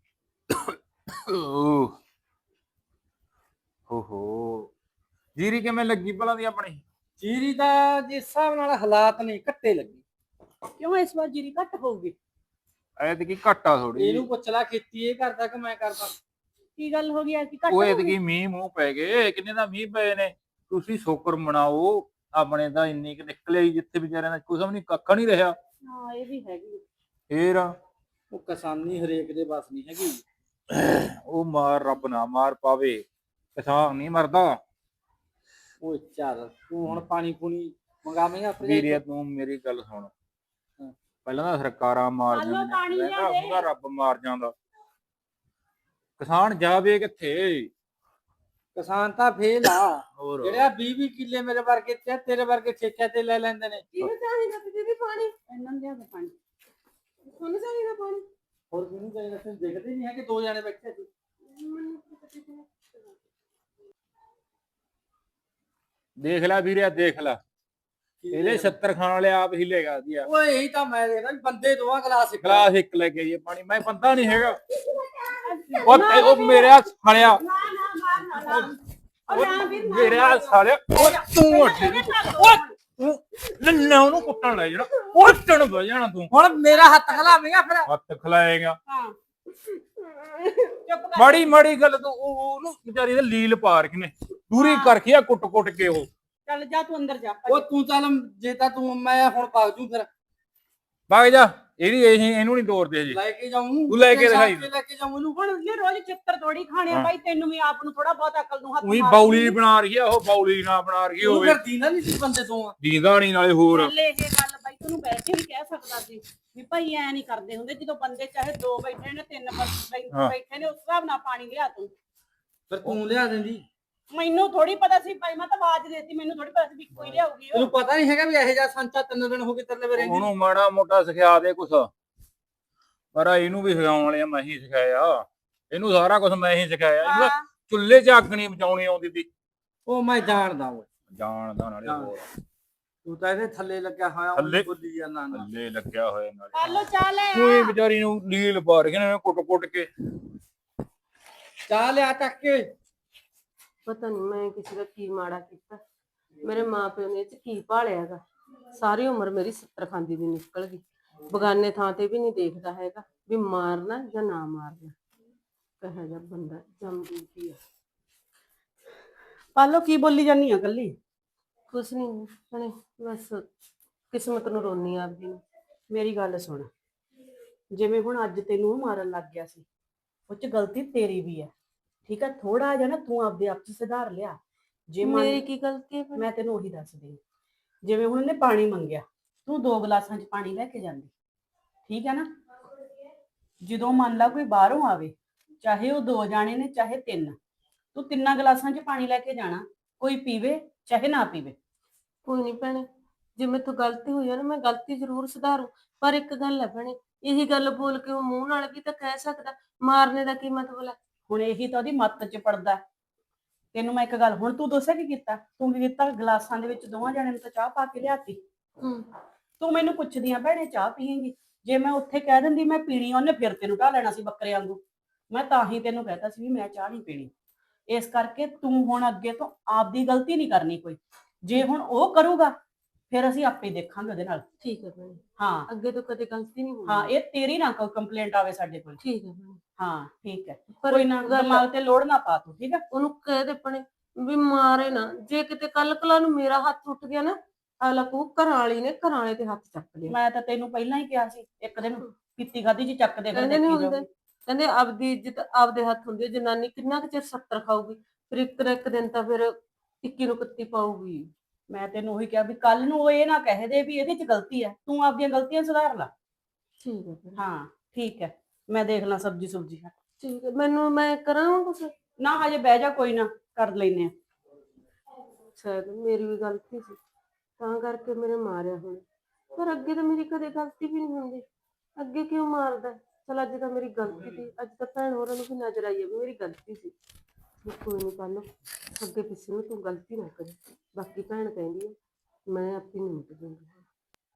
[SPEAKER 2] ਓਹੋ ਜੀਰੀ ਕਿਵੇਂ ਲੱਗੀ ਭਲਾ ਦੀ ਆਪਣੀ
[SPEAKER 1] ਜੀਰੀ ਦਾ ਜਿਸ ਹਿਸਾਬ ਨਾਲ ਹਾਲਾਤ ਨਹੀਂ ਘੱਟੇ ਲੱਗੀ
[SPEAKER 4] ਕਿਉਂ ਇਸ ਵਾਰ ਜੀਰੀ ਘੱਟ ਹੋਊਗੀ?
[SPEAKER 2] ਐਤਕੀ ਘਾਟਾ ਥੋੜੀ
[SPEAKER 1] ਇਹਨੂੰ ਪੁੱਛ ਲੈ ਖੇਤੀ ਇਹ ਕਰਦਾ ਕਿ ਮੈਂ ਕਰਦਾ
[SPEAKER 4] ਕੀ ਗੱਲ ਹੋ ਗਈ ਐ ਕਿ ਘੱਟ
[SPEAKER 2] ਉਹ
[SPEAKER 4] ਹੋਊਗੀ?
[SPEAKER 2] ਐਤਕੀ ਮੀਂਹ ਮੂੰਹ ਪੈ ਗਏ ਕਿੰਨੇ ਦਾ ਮੀਂਹ ਪਏ ਨੇ ਤੁਸੀਂ ਸ਼ੁਕਰ ਮਨਾਓ ਆਪਣੇ ਤਾਂ ਇੰਨੀ ਕਿ ਨਿਕਲੇ ਹੀ ਜਿੱਥੇ ਵਿਚਾਰਿਆਂ ਦਾ ਕੁਝ ਨਹੀਂ ਕੱਖ ਨਹੀਂ ਰਿਹਾ
[SPEAKER 4] ਹਾਂ ਇਹ ਵੀ ਹੈਗੀ।
[SPEAKER 2] ਫੇਰ
[SPEAKER 1] ਉਹ ਕਿਸਾਨੀ ਹਰੇਕ ਦੇ ਬਸ ਨਹੀਂ ਹੈਗੀ
[SPEAKER 2] ਉਹ ਮਾਰ ਰੱਬ ਨਾ ਮਾਰ ਪਾਵੇ ਕਿਸਾਨ ਨਹੀਂ ਮਰਦਾ
[SPEAKER 1] ਉਹ ਚੱਲ ਤੂੰ ਹੁਣ ਪਾਣੀ ਪੂਣੀ ਮੰਗਾਵੇਂਗਾ ਆਪਣੇ
[SPEAKER 2] ਵੀਰੇ ਤੂੰ ਮੇਰੀ ਗੱਲ ਸੁਣ ਪਹਿਲਾਂ ਤਾਂ ਸਰਕਾਰਾਂ ਮਾਰ
[SPEAKER 4] ਆਲੋ
[SPEAKER 2] ਜਾਂਦੀਆਂ
[SPEAKER 4] ਪਾਣੀ ਲਿਆ
[SPEAKER 2] ਰਹਿੰਦਾ
[SPEAKER 4] ਦੇ।
[SPEAKER 2] ਹੁੰਦਾ ਰੱਬ ਮਾਰ ਜਾਂਦਾ ਕਿਸਾਨ ਜਾਵੇ ਕਿੱਥੇ
[SPEAKER 1] ਕਿਸਾਨ ਤਾਂ ਫੇਲ ਆ
[SPEAKER 2] ਹੋਰ
[SPEAKER 1] ਜਿਹੜਾ ਵੀਹ ਵੀਹ ਕਿੱਲੇ ਮੇਰੇ ਵਰਗੇ ਤੇ ਤੇਰੇ ਵਰਗੇ ਠੇਕਿਆਂ ਤੇ ਲੈ ਲੈਂਦੇ ਨੇ
[SPEAKER 5] ਕਿਹਨੂੰ ਚਾਹੀਦਾ ਤੇ ਦੀਦੀ ਪਾਣੀ?
[SPEAKER 4] ਇਹਨਾਂ ਨੂੰ ਲਿਆ ਦੇ ਪਾਣੀ।
[SPEAKER 5] ਤੁਹਾਨੂੰ ਚਾਹੀਦਾ ਪਾਣੀ?
[SPEAKER 1] ਹੋਰ ਕਿਹਨੂੰ ਚਾਹੀਦਾ ਤੁਸੀਂ ਦੇਖਦੇ ਨਹੀਂ ਹੈ ਕਿ ਦੋ ਜਣੇ ਬੈਠੇ ਸੀ
[SPEAKER 2] ਦੇਖ ਲੈ ਵੀਰੇ ਦੇਖ ਲੈ ਇਹਦੇ ਛੱਤਰ ਖਾਣ ਵਾਲੇ ਆਪ ਹੀ ਲੈਗਾ ਦਿਆ
[SPEAKER 1] ਓਏ ਇਹੀ ਤਾਂ ਮੈਂ ਦੇਖਦਾ ਵੀ ਬੰਦੇ ਦੋਵਾਂ ਗਲਾਸ ਇੱਕ
[SPEAKER 2] ਗਲਾਸ ਇੱਕ ਲੈ ਕੇ ਆਈਏ ਪਾਣੀ ਮੈਂ ਬੰਦਾ ਨਹੀਂ ਹੈਗਾ ਉਹ ਤੇ ਉਹ ਮੇਰੇ ਸਾਲਿਆ ਮੇਰੇ ਸਾਲਿਆ ਉਹ ਤੂੰ ਉੱਠ ਉਹ ਤੂੰ ਨੰਨਾ ਉਹਨੂੰ ਕੁੱਟਣ ਲੈ ਜਾਣਾ ਉੱਟਣ ਬਹਿ ਜਾਣਾ ਤੂੰ
[SPEAKER 1] ਹੁਣ ਮੇਰਾ ਹੱਥ ਖਲਾਵੇਂਗਾ ਫਿਰ
[SPEAKER 2] ਹੱਥ ਖਲਾਏਗਾ
[SPEAKER 4] ਹਾਂ ਚੁੱਪ ਕਰ।
[SPEAKER 2] ਮਾੜੀ ਮਾੜੀ ਗੱਲ ਤੂੰ ਉਹ- ਉਹਨੂੰ ਵਿਚਾਰੀ ਦੇ ਲੀਲ ਪਾ ਰੱਖੀ ਨੇ ਦੂਰੀ ਕਰਕੇ ਆ ਕੁੱਟ ਕੁੱਟ ਕੇ ਉਹ
[SPEAKER 4] ਚੱਲ ਜਾ ਤੂੰ ਅੰਦਰ ਜਾ।
[SPEAKER 1] ਉਹ ਤੂੰ ਚੱਲ ਜੇ ਤਾਂ ਤੂੰ ਮੈਂ ਹੁਣ ਭੱਜ ਜੂ ਫਿਰ
[SPEAKER 2] ਵਗ ਜਾ ਇਹਦੀ ਇਹ ਇਹਨੂੰ ਨਹੀਂ ਤੋੜਦੇ ਜੀ
[SPEAKER 1] ਲੈ ਕੇ ਜਾਊਂ
[SPEAKER 2] ਤੂੰ ਲੈ ਕੇ ਦਿਖਾਈ।
[SPEAKER 1] ਲੈ ਕੇ ਜਾਊਂ ਇਹਨੂੰ
[SPEAKER 4] ਹੁਣ ਇਹ ਰੋਜ਼ ਚਿੱਤਰ ਤੋੜੀ ਖਾਣੇ ਆ
[SPEAKER 2] ਹਾਂ।
[SPEAKER 4] ਬਾਈ ਤੈਨੂੰ ਵੀ ਆਪ ਨੂੰ ਥੋੜਾ ਬਹੁਤ ਅਕਲ ਨੂੰ ਹੱਥ
[SPEAKER 2] ਉਹੀ
[SPEAKER 4] ਮਾਰ
[SPEAKER 2] ਬੌਲੀ ਬਣਾ ਰਹੀ ਆ ਉਹ ਬੌਲੀ ਨਾ ਬਣਾ ਰਹੀ
[SPEAKER 1] ਤੂੰ
[SPEAKER 2] ਹੋਵੇ
[SPEAKER 1] ਫਿਰ ਦੀਨਾ ਨਹੀਂ ਸੀ ਬੰਦੇ ਤੋਂ ਆ
[SPEAKER 2] ਦੀਦਾ ਨਹੀਂ ਨਾਲੇ ਹੋਰ
[SPEAKER 4] ਪਹਿਲੇ ਇਹ ਗੱਲ ਬਾਈ ਤੈਨੂੰ ਬੈਠੇ ਵੀ ਕਹਿ ਸਕਦਾ ਸੀ ਵੀ ਭਾਈ ਐ ਨਹੀਂ ਕਰਦੇ ਹੁੰਦੇ ਜਦੋਂ ਬੰਦੇ ਚਾਹੇ ਦੋ ਬੈਠੇ ਨੇ ਤਿੰਨ ਬੈ-
[SPEAKER 2] ਹਾਂ।
[SPEAKER 4] ਬੈਠੇ ਨੇ ਉਸ ਹਿਸਾਬ ਨਾਲ ਪਾਣੀ ਲਿਆ ਤੂੰ।
[SPEAKER 1] ਫਿਰ ਤੂੰ ਲਿਆ ਦਿੰਦੀ
[SPEAKER 4] ਮੈਨੂੰ ਥੋੜੀ ਪਤਾ ਸੀ ਭਾਈ ਮੈਂ ਤਾਂ ਆਵਾਜ਼ ਦੇਤੀ ਮੈਨੂੰ ਥੋੜੀ ਪਤਾ ਸੀ ਵੀ ਕੋਈ ਲਿਆਊਗੀ ਉਹ।
[SPEAKER 1] ਤੈਨੂੰ ਪਤਾ ਨਹੀਂ ਹੈਗਾ ਵੀ ਇਹੋ ਜਿਹਾ ਸੰਚਾ ਤਿੰਨ ਦਿਨ ਹੋ ਗਏ ਤੇਰੇ ਲਈ ਰਹਿੰਦੀ
[SPEAKER 2] ਉਹਨੂੰ ਮਾੜਾ ਮੋਟਾ ਸਿਖਾ ਦੇ ਕੁਛ ਪਰ ਇਹਨੂੰ ਵੀ ਸਿਖਾਉਣ ਵਾਲਿਆ ਮੈਂ ਹੀ ਸਿਖਾਇਆ ਇਹਨੂੰ ਸਾਰਾ ਕੁਝ ਮੈਂ ਹੀ ਸਿਖਾਇਆ ਇਹਨੂੰ
[SPEAKER 4] ਹਾਂ।
[SPEAKER 2] ਚੁੱਲ੍ਹੇ 'ਚ ਅੱਗ ਨਹੀਂ ਬਚਾਉਣੀ ਆਉਂਦੀ ਸੀ
[SPEAKER 1] ਉਹ ਮੈਂ ਜਾਣਦਾ ਓਏ
[SPEAKER 2] ਜਾਣਦਾ ਨਾਲੇ ਹੋਰ
[SPEAKER 1] ਤੂੰ ਤਾਂ ਇਹਦੇ ਥੱਲੇ ਲੱਗਿਆ ਹੋਇਆ
[SPEAKER 2] ਥੱਲੇ?
[SPEAKER 1] ਉਹ ਬੋਲੀ ਜਾਂਦਾ ਨਾ
[SPEAKER 2] ਥੱਲੇ ਲੱਗਿਆ ਹੋਇਆ ਨਾਲੇ
[SPEAKER 4] ਆਲੋ ਚਾਹ ਲੈ
[SPEAKER 2] ਕੋਈ ਵਿਚਾਰੀ ਨੂੰ ਲੀਲ ਪਾ ਰਹੀ ਨੇ ਕੁੱਟ ਕੁੱਟ ਕੇ
[SPEAKER 1] ਚਾਹ ਲਿਆ ਟੱਕ ਕੇ
[SPEAKER 5] ਪਤਾ ਨਹੀਂ ਮੈਂ ਕਿਸੇ ਦਾ ਕੀ ਮਾੜਾ ਕੀਤਾ ਮੇਰੇ ਮਾਪਿਓ ਨੇ ਇਹ ਚ ਕੀ ਭਾਲਿਆਗਾ ਸਾਰੀ ਉਮਰ ਮੇਰੀ ਸੱਤਰ ਖਾਂਦੀ ਦੀ ਨਿਕਲ ਗਈ ਬਗਾਨੇ ਥਾਂ ਤੇ ਵੀ ਨਹੀਂ ਦੇਖਦਾ ਹੈਗਾ ਵੀ ਮਾਰਨਾ ਜਾਂ ਨਾ ਮਾਰਨਾ ਕਹੇ ਜਾ ਬੰਦਾ ਜੰਮਦੀ ਆ
[SPEAKER 4] ਪਾਲੋ ਕੀ ਬੋਲੀ ਜਾਨੀ ਆ ਕੱਲੀ?
[SPEAKER 5] ਕੁਛ ਨਹੀਂ ਭੈਣੇ ਬਸ ਕਿਸਮਤ ਨੂੰ ਰੋਨੀ ਆਪਦੀ ਨੂੰ।
[SPEAKER 4] ਮੇਰੀ ਗੱਲ ਸੁਣ ਜਿਵੇਂ ਹੁਣ ਅੱਜ ਤੈਨੂੰ ਉਹ ਮਾਰਨ ਲੱਗ ਗਿਆ ਸੀ ਉਹ ਚ ਗਲਤੀ ਤੇਰੀ ਵੀ ਹੈ ਠੀਕ ਹੈ ਥੋੜਾ ਜਿਹਾ ਨਾ ਤੂੰ ਆਪਦੇ ਆਪ ਚ ਸੁਧਾਰ ਲਿਆ ਜੇ ਮੰਨ-
[SPEAKER 5] ਮੇਰੀ ਕੀ ਗਲਤੀ ਹੈ ਭੈਣੇ?
[SPEAKER 4] ਮੈਂ ਤੈਨੂੰ ਉਹੀ ਦੱਸਦੀ ਹਾਂ। ਜਿਵੇਂ ਹੁਣ ਉਹਨੇ ਪਾਣੀ ਮੰਗਿਆ ਤੂੰ ਦੋ ਗਲਾਸਾਂ 'ਚ ਪਾਣੀ ਲੈ ਕੇ ਜਾਂਦੀ ਠੀਕ ਹੈ ਨਾ ਜਦੋਂ ਮੰਨ ਲਾ ਕੋਈ ਬਾਹਰੋਂ ਆਵੇ ਚਾਹੇ ਉਹ ਦੋ ਜਾਣੇ ਨੇ ਚਾਹੇ ਤਿੰਨ ਤੂੰ ਤਿੰਨਾਂ ਗਲਾਸਾਂ 'ਚ ਪਾਣੀ ਲੈ ਕੇ ਜਾਣਾ ਕੋਈ ਪੀਵੇ ਚਾਹੇ ਨਾ ਪੀਵੇ।
[SPEAKER 5] ਕੋਈ ਨਹੀਂ ਭੈਣੇ ਜੇ ਮੈਥੋਂ ਗਲਤੀ ਹੋਈ ਆ ਨਾ ਮੈਂ ਗਲਤੀ ਜ਼ਰੂਰ ਸੁਧਾਰੂ ਪਰ ਇੱਕ ਗੱਲ ਹੈ ਭੈਣੇ ਇਹੀ ਗੱਲ ਬੋਲ ਕੇ ਉਹ ਮੂੰਹ ਨਾਲ ਵੀ ਤਾਂ ਕਹਿ ਸਕਦਾ ਮਾਰਨੇ ਦਾ ਕੀ ਮਤਲਬ ਹੈ।
[SPEAKER 4] ਹੁਣ ਇਹੀ ਤਾਂ ਉਹਦੀ ਮੱਤ 'ਚ ਪੜਦਾ ਤੈਨੂੰ ਮੈਂ ਇੱਕ ਗੱਲ ਹੁਣ ਤੂੰ ਦੱਸਿਆ ਕੀ ਕੀਤਾ ਤੂੰ ਕੀ ਕੀਤਾ ਗਲਾਸਾਂ ਦੇ ਵਿੱਚ ਦੋਵਾਂ ਜਣਿਆਂ ਨੂੰ ਤਾਂ ਚਾਹ ਪਾ ਕੇ ਲਿਆਤੀ
[SPEAKER 5] ਹੂੰ
[SPEAKER 4] ਤੂੰ ਮੈਨੂੰ ਪੁੱਛਦੀ ਆ ਭੈਣੇ ਚਾਹ ਪੀਏਂਗੀ ਜੇ ਮੈਂ ਉੱਥੇ ਕਹਿ ਦਿੰਦੀ ਮੈਂ ਪੀਣੀ ਉਹਨੇ ਫਿਰ ਤੈਨੂੰ ਢਾ ਲੈਣਾ ਸੀ ਬੱਕਰੇ ਵਾਂਗੂ ਮੈਂ ਤਾਂ ਹੀ ਤੈਨੂੰ ਕਹਿਤਾ ਸੀ ਵੀ ਮੈਂ ਚਾਹ ਨਹੀਂ ਪੀਣੀ ਇਸ ਕਰਕੇ ਤੂੰ ਹੁਣ ਅੱਗੇ ਤੋਂ ਆਪਦੀ ਗਲਤੀ ਨਹੀਂ ਕਰਨੀ ਕੋਈ ਜੇ ਹੁਣ ਉਹ ਕਰੂਗਾ ਫਿਰ ਅਸੀਂ ਆਪੇ ਦੇਖਾਂਗੇ ਉਹਦੇ ਨਾਲ
[SPEAKER 5] ਠੀਕ ਹੈ ਭੈਣੇ
[SPEAKER 4] ਹਾਂ
[SPEAKER 5] ਅੱਗੇ ਤੋਂ ਕਦੇ ਗਲਤੀ ਨਹੀਂ ਹੋਣੀ।
[SPEAKER 4] ਹਾਂ ਇਹ ਤੇਰੀ ਨਾ ਕੋਈ ਕੰਪਲੇਂਟ ਆਵੇ ਸਾਡੇ ਕੋਲ
[SPEAKER 5] ਠੀਕ ਹੈ ਭੈਣੇ
[SPEAKER 4] ਹਾਂ ਠੀਕ ਹੈ
[SPEAKER 5] ਪਰ
[SPEAKER 4] ਕੋਈ ਨਾ
[SPEAKER 5] ਗੱਲ-
[SPEAKER 4] ਦਿਮਾਗ ਤੇ ਲੋੜ ਨਾ ਪਾ ਤੂੰ ਠੀਕ ਹੈ
[SPEAKER 5] ਉਹਨੂੰ ਕਹਿ ਦੇ ਭੈਣੇ ਵੀ ਮਾਰੇ ਨਾ ਜੇ ਕਿਤੇ ਕੱਲ ਕਲਾ ਨੂੰ ਮੇਰਾ ਹੱਥ ਉੱਠ ਗਿਆ ਨਾ ਅਗਲਾ ਕਹੂ ਘਰਾਂ ਵਾਲੀ ਨੇ ਘਰਾਂ ਵਾਲੇ ਤੇ ਹੱਥ ਚੱਕ ਲਿਆ
[SPEAKER 4] ਮੈਂ ਤਾਂ ਤੈਨੂੰ ਪਹਿਲਾਂ ਹੀ ਕਿਹਾ ਸੀ ਇੱਕ ਦਿਨ ਪੀਤੀ ਖਾਦੀ ਜੀ ਚੱਕਦੇ ਫਿਰ
[SPEAKER 5] ਕਹਿੰਦੇ ਨਹੀਂ
[SPEAKER 4] ਦੇਖੀ
[SPEAKER 5] ਹੁੰਦੇ
[SPEAKER 4] ਜਾਊਗੀ।
[SPEAKER 5] ਕਹਿੰਦੇ ਆਪਦੀ ਇੱਜ਼ਤ ਆਪਦੇ ਹੱਥ ਹੁੰਦੀ ਹੈ ਜਨਾਨੀ ਕਿੰਨਾ ਕੁ ਚਿਰ ਸੱਤਰ ਖਾਊਗੀ ਫਿਰ ਇੱਕ ਨਾ ਇੱਕ ਦਿਨ ਤਾਂ ਫਿਰ ਇੱਕੀ ਨੂੰ ਕੱਤੀ ਪਾਊਗੀ।
[SPEAKER 4] ਮੈਂ ਤੈਨੂੰ ਉਹੀ ਕਿਹਾ ਵੀ ਕੱਲ ਨੂੰ ਉਹ ਇਹ ਨਾ ਕਹਿ ਦੇ ਵੀ ਇਹਦੇ 'ਚ ਗਲਤੀ ਹੈ ਤੂੰ ਆਪਦੀਆਂ ਗਲਤੀਆਂ ਸੁਧਾਰ ਲੈ
[SPEAKER 5] ਠੀਕ ਹੈ ਭੈਣੇ,
[SPEAKER 4] ਹਾਂ ਠੀਕ ਹੈ ਮੈਂ ਦੇਖ ਲਾਂ ਸਬਜੀ ਸੁਬਜੀ
[SPEAKER 5] ਠੀਕ ਹੈ ਮੈਨੂੰ ਮੈਂ ਕਰਾਂ ਕੁਛ
[SPEAKER 4] ਨਾ ਹਜੇ ਬਹਿ ਜਾ ਕੋਈ ਨਾ ਕਰ ਲੈਨੇ ਆ
[SPEAKER 5] ਸ਼ਾਇਦ ਮੇਰੀ ਵੀ ਗਲਤੀ ਸੀ ਤਾਂ ਕਰਕੇ ਮੇਰੇ ਮਾਰਿਆ ਹੁਣ। ਪਰ ਅੱਗੇ ਤਾਂ ਮੇਰੀ ਕਦੇ ਗਲਤੀ ਵੀ ਨਹੀਂ ਹੁੰਦੀ, ਅੱਗੇ ਕਿਉਂ ਮਾਰਦਾ? ਚਲ ਅੱਜ ਤਾਂ ਮੇਰੀ ਗਲਤੀ ਸੀ, ਅੱਜ ਤਾਂ ਭੈਣ ਹੋਰਾਂ ਨੂੰ ਵੀ ਨਜ਼ਰ ਆਈ ਹੈ ਵੀ ਮੇਰੀ ਗਲਤੀ ਸੀ। ਵੀ ਕੋਈ ਨਹੀਂ ਪਾਲੋ, ਅੱਗੇ ਪਿੱਛੇ ਨੂੰ ਤੂੰ ਗਲਤੀ ਨਾ ਕਰੀ। ਬਾਕੀ ਭੈਣ ਕਹਿੰਦੀ ਹੈ ਮੈਂ ਆਪੇ ਨਿਮਟ ਦੂੰਗੀ।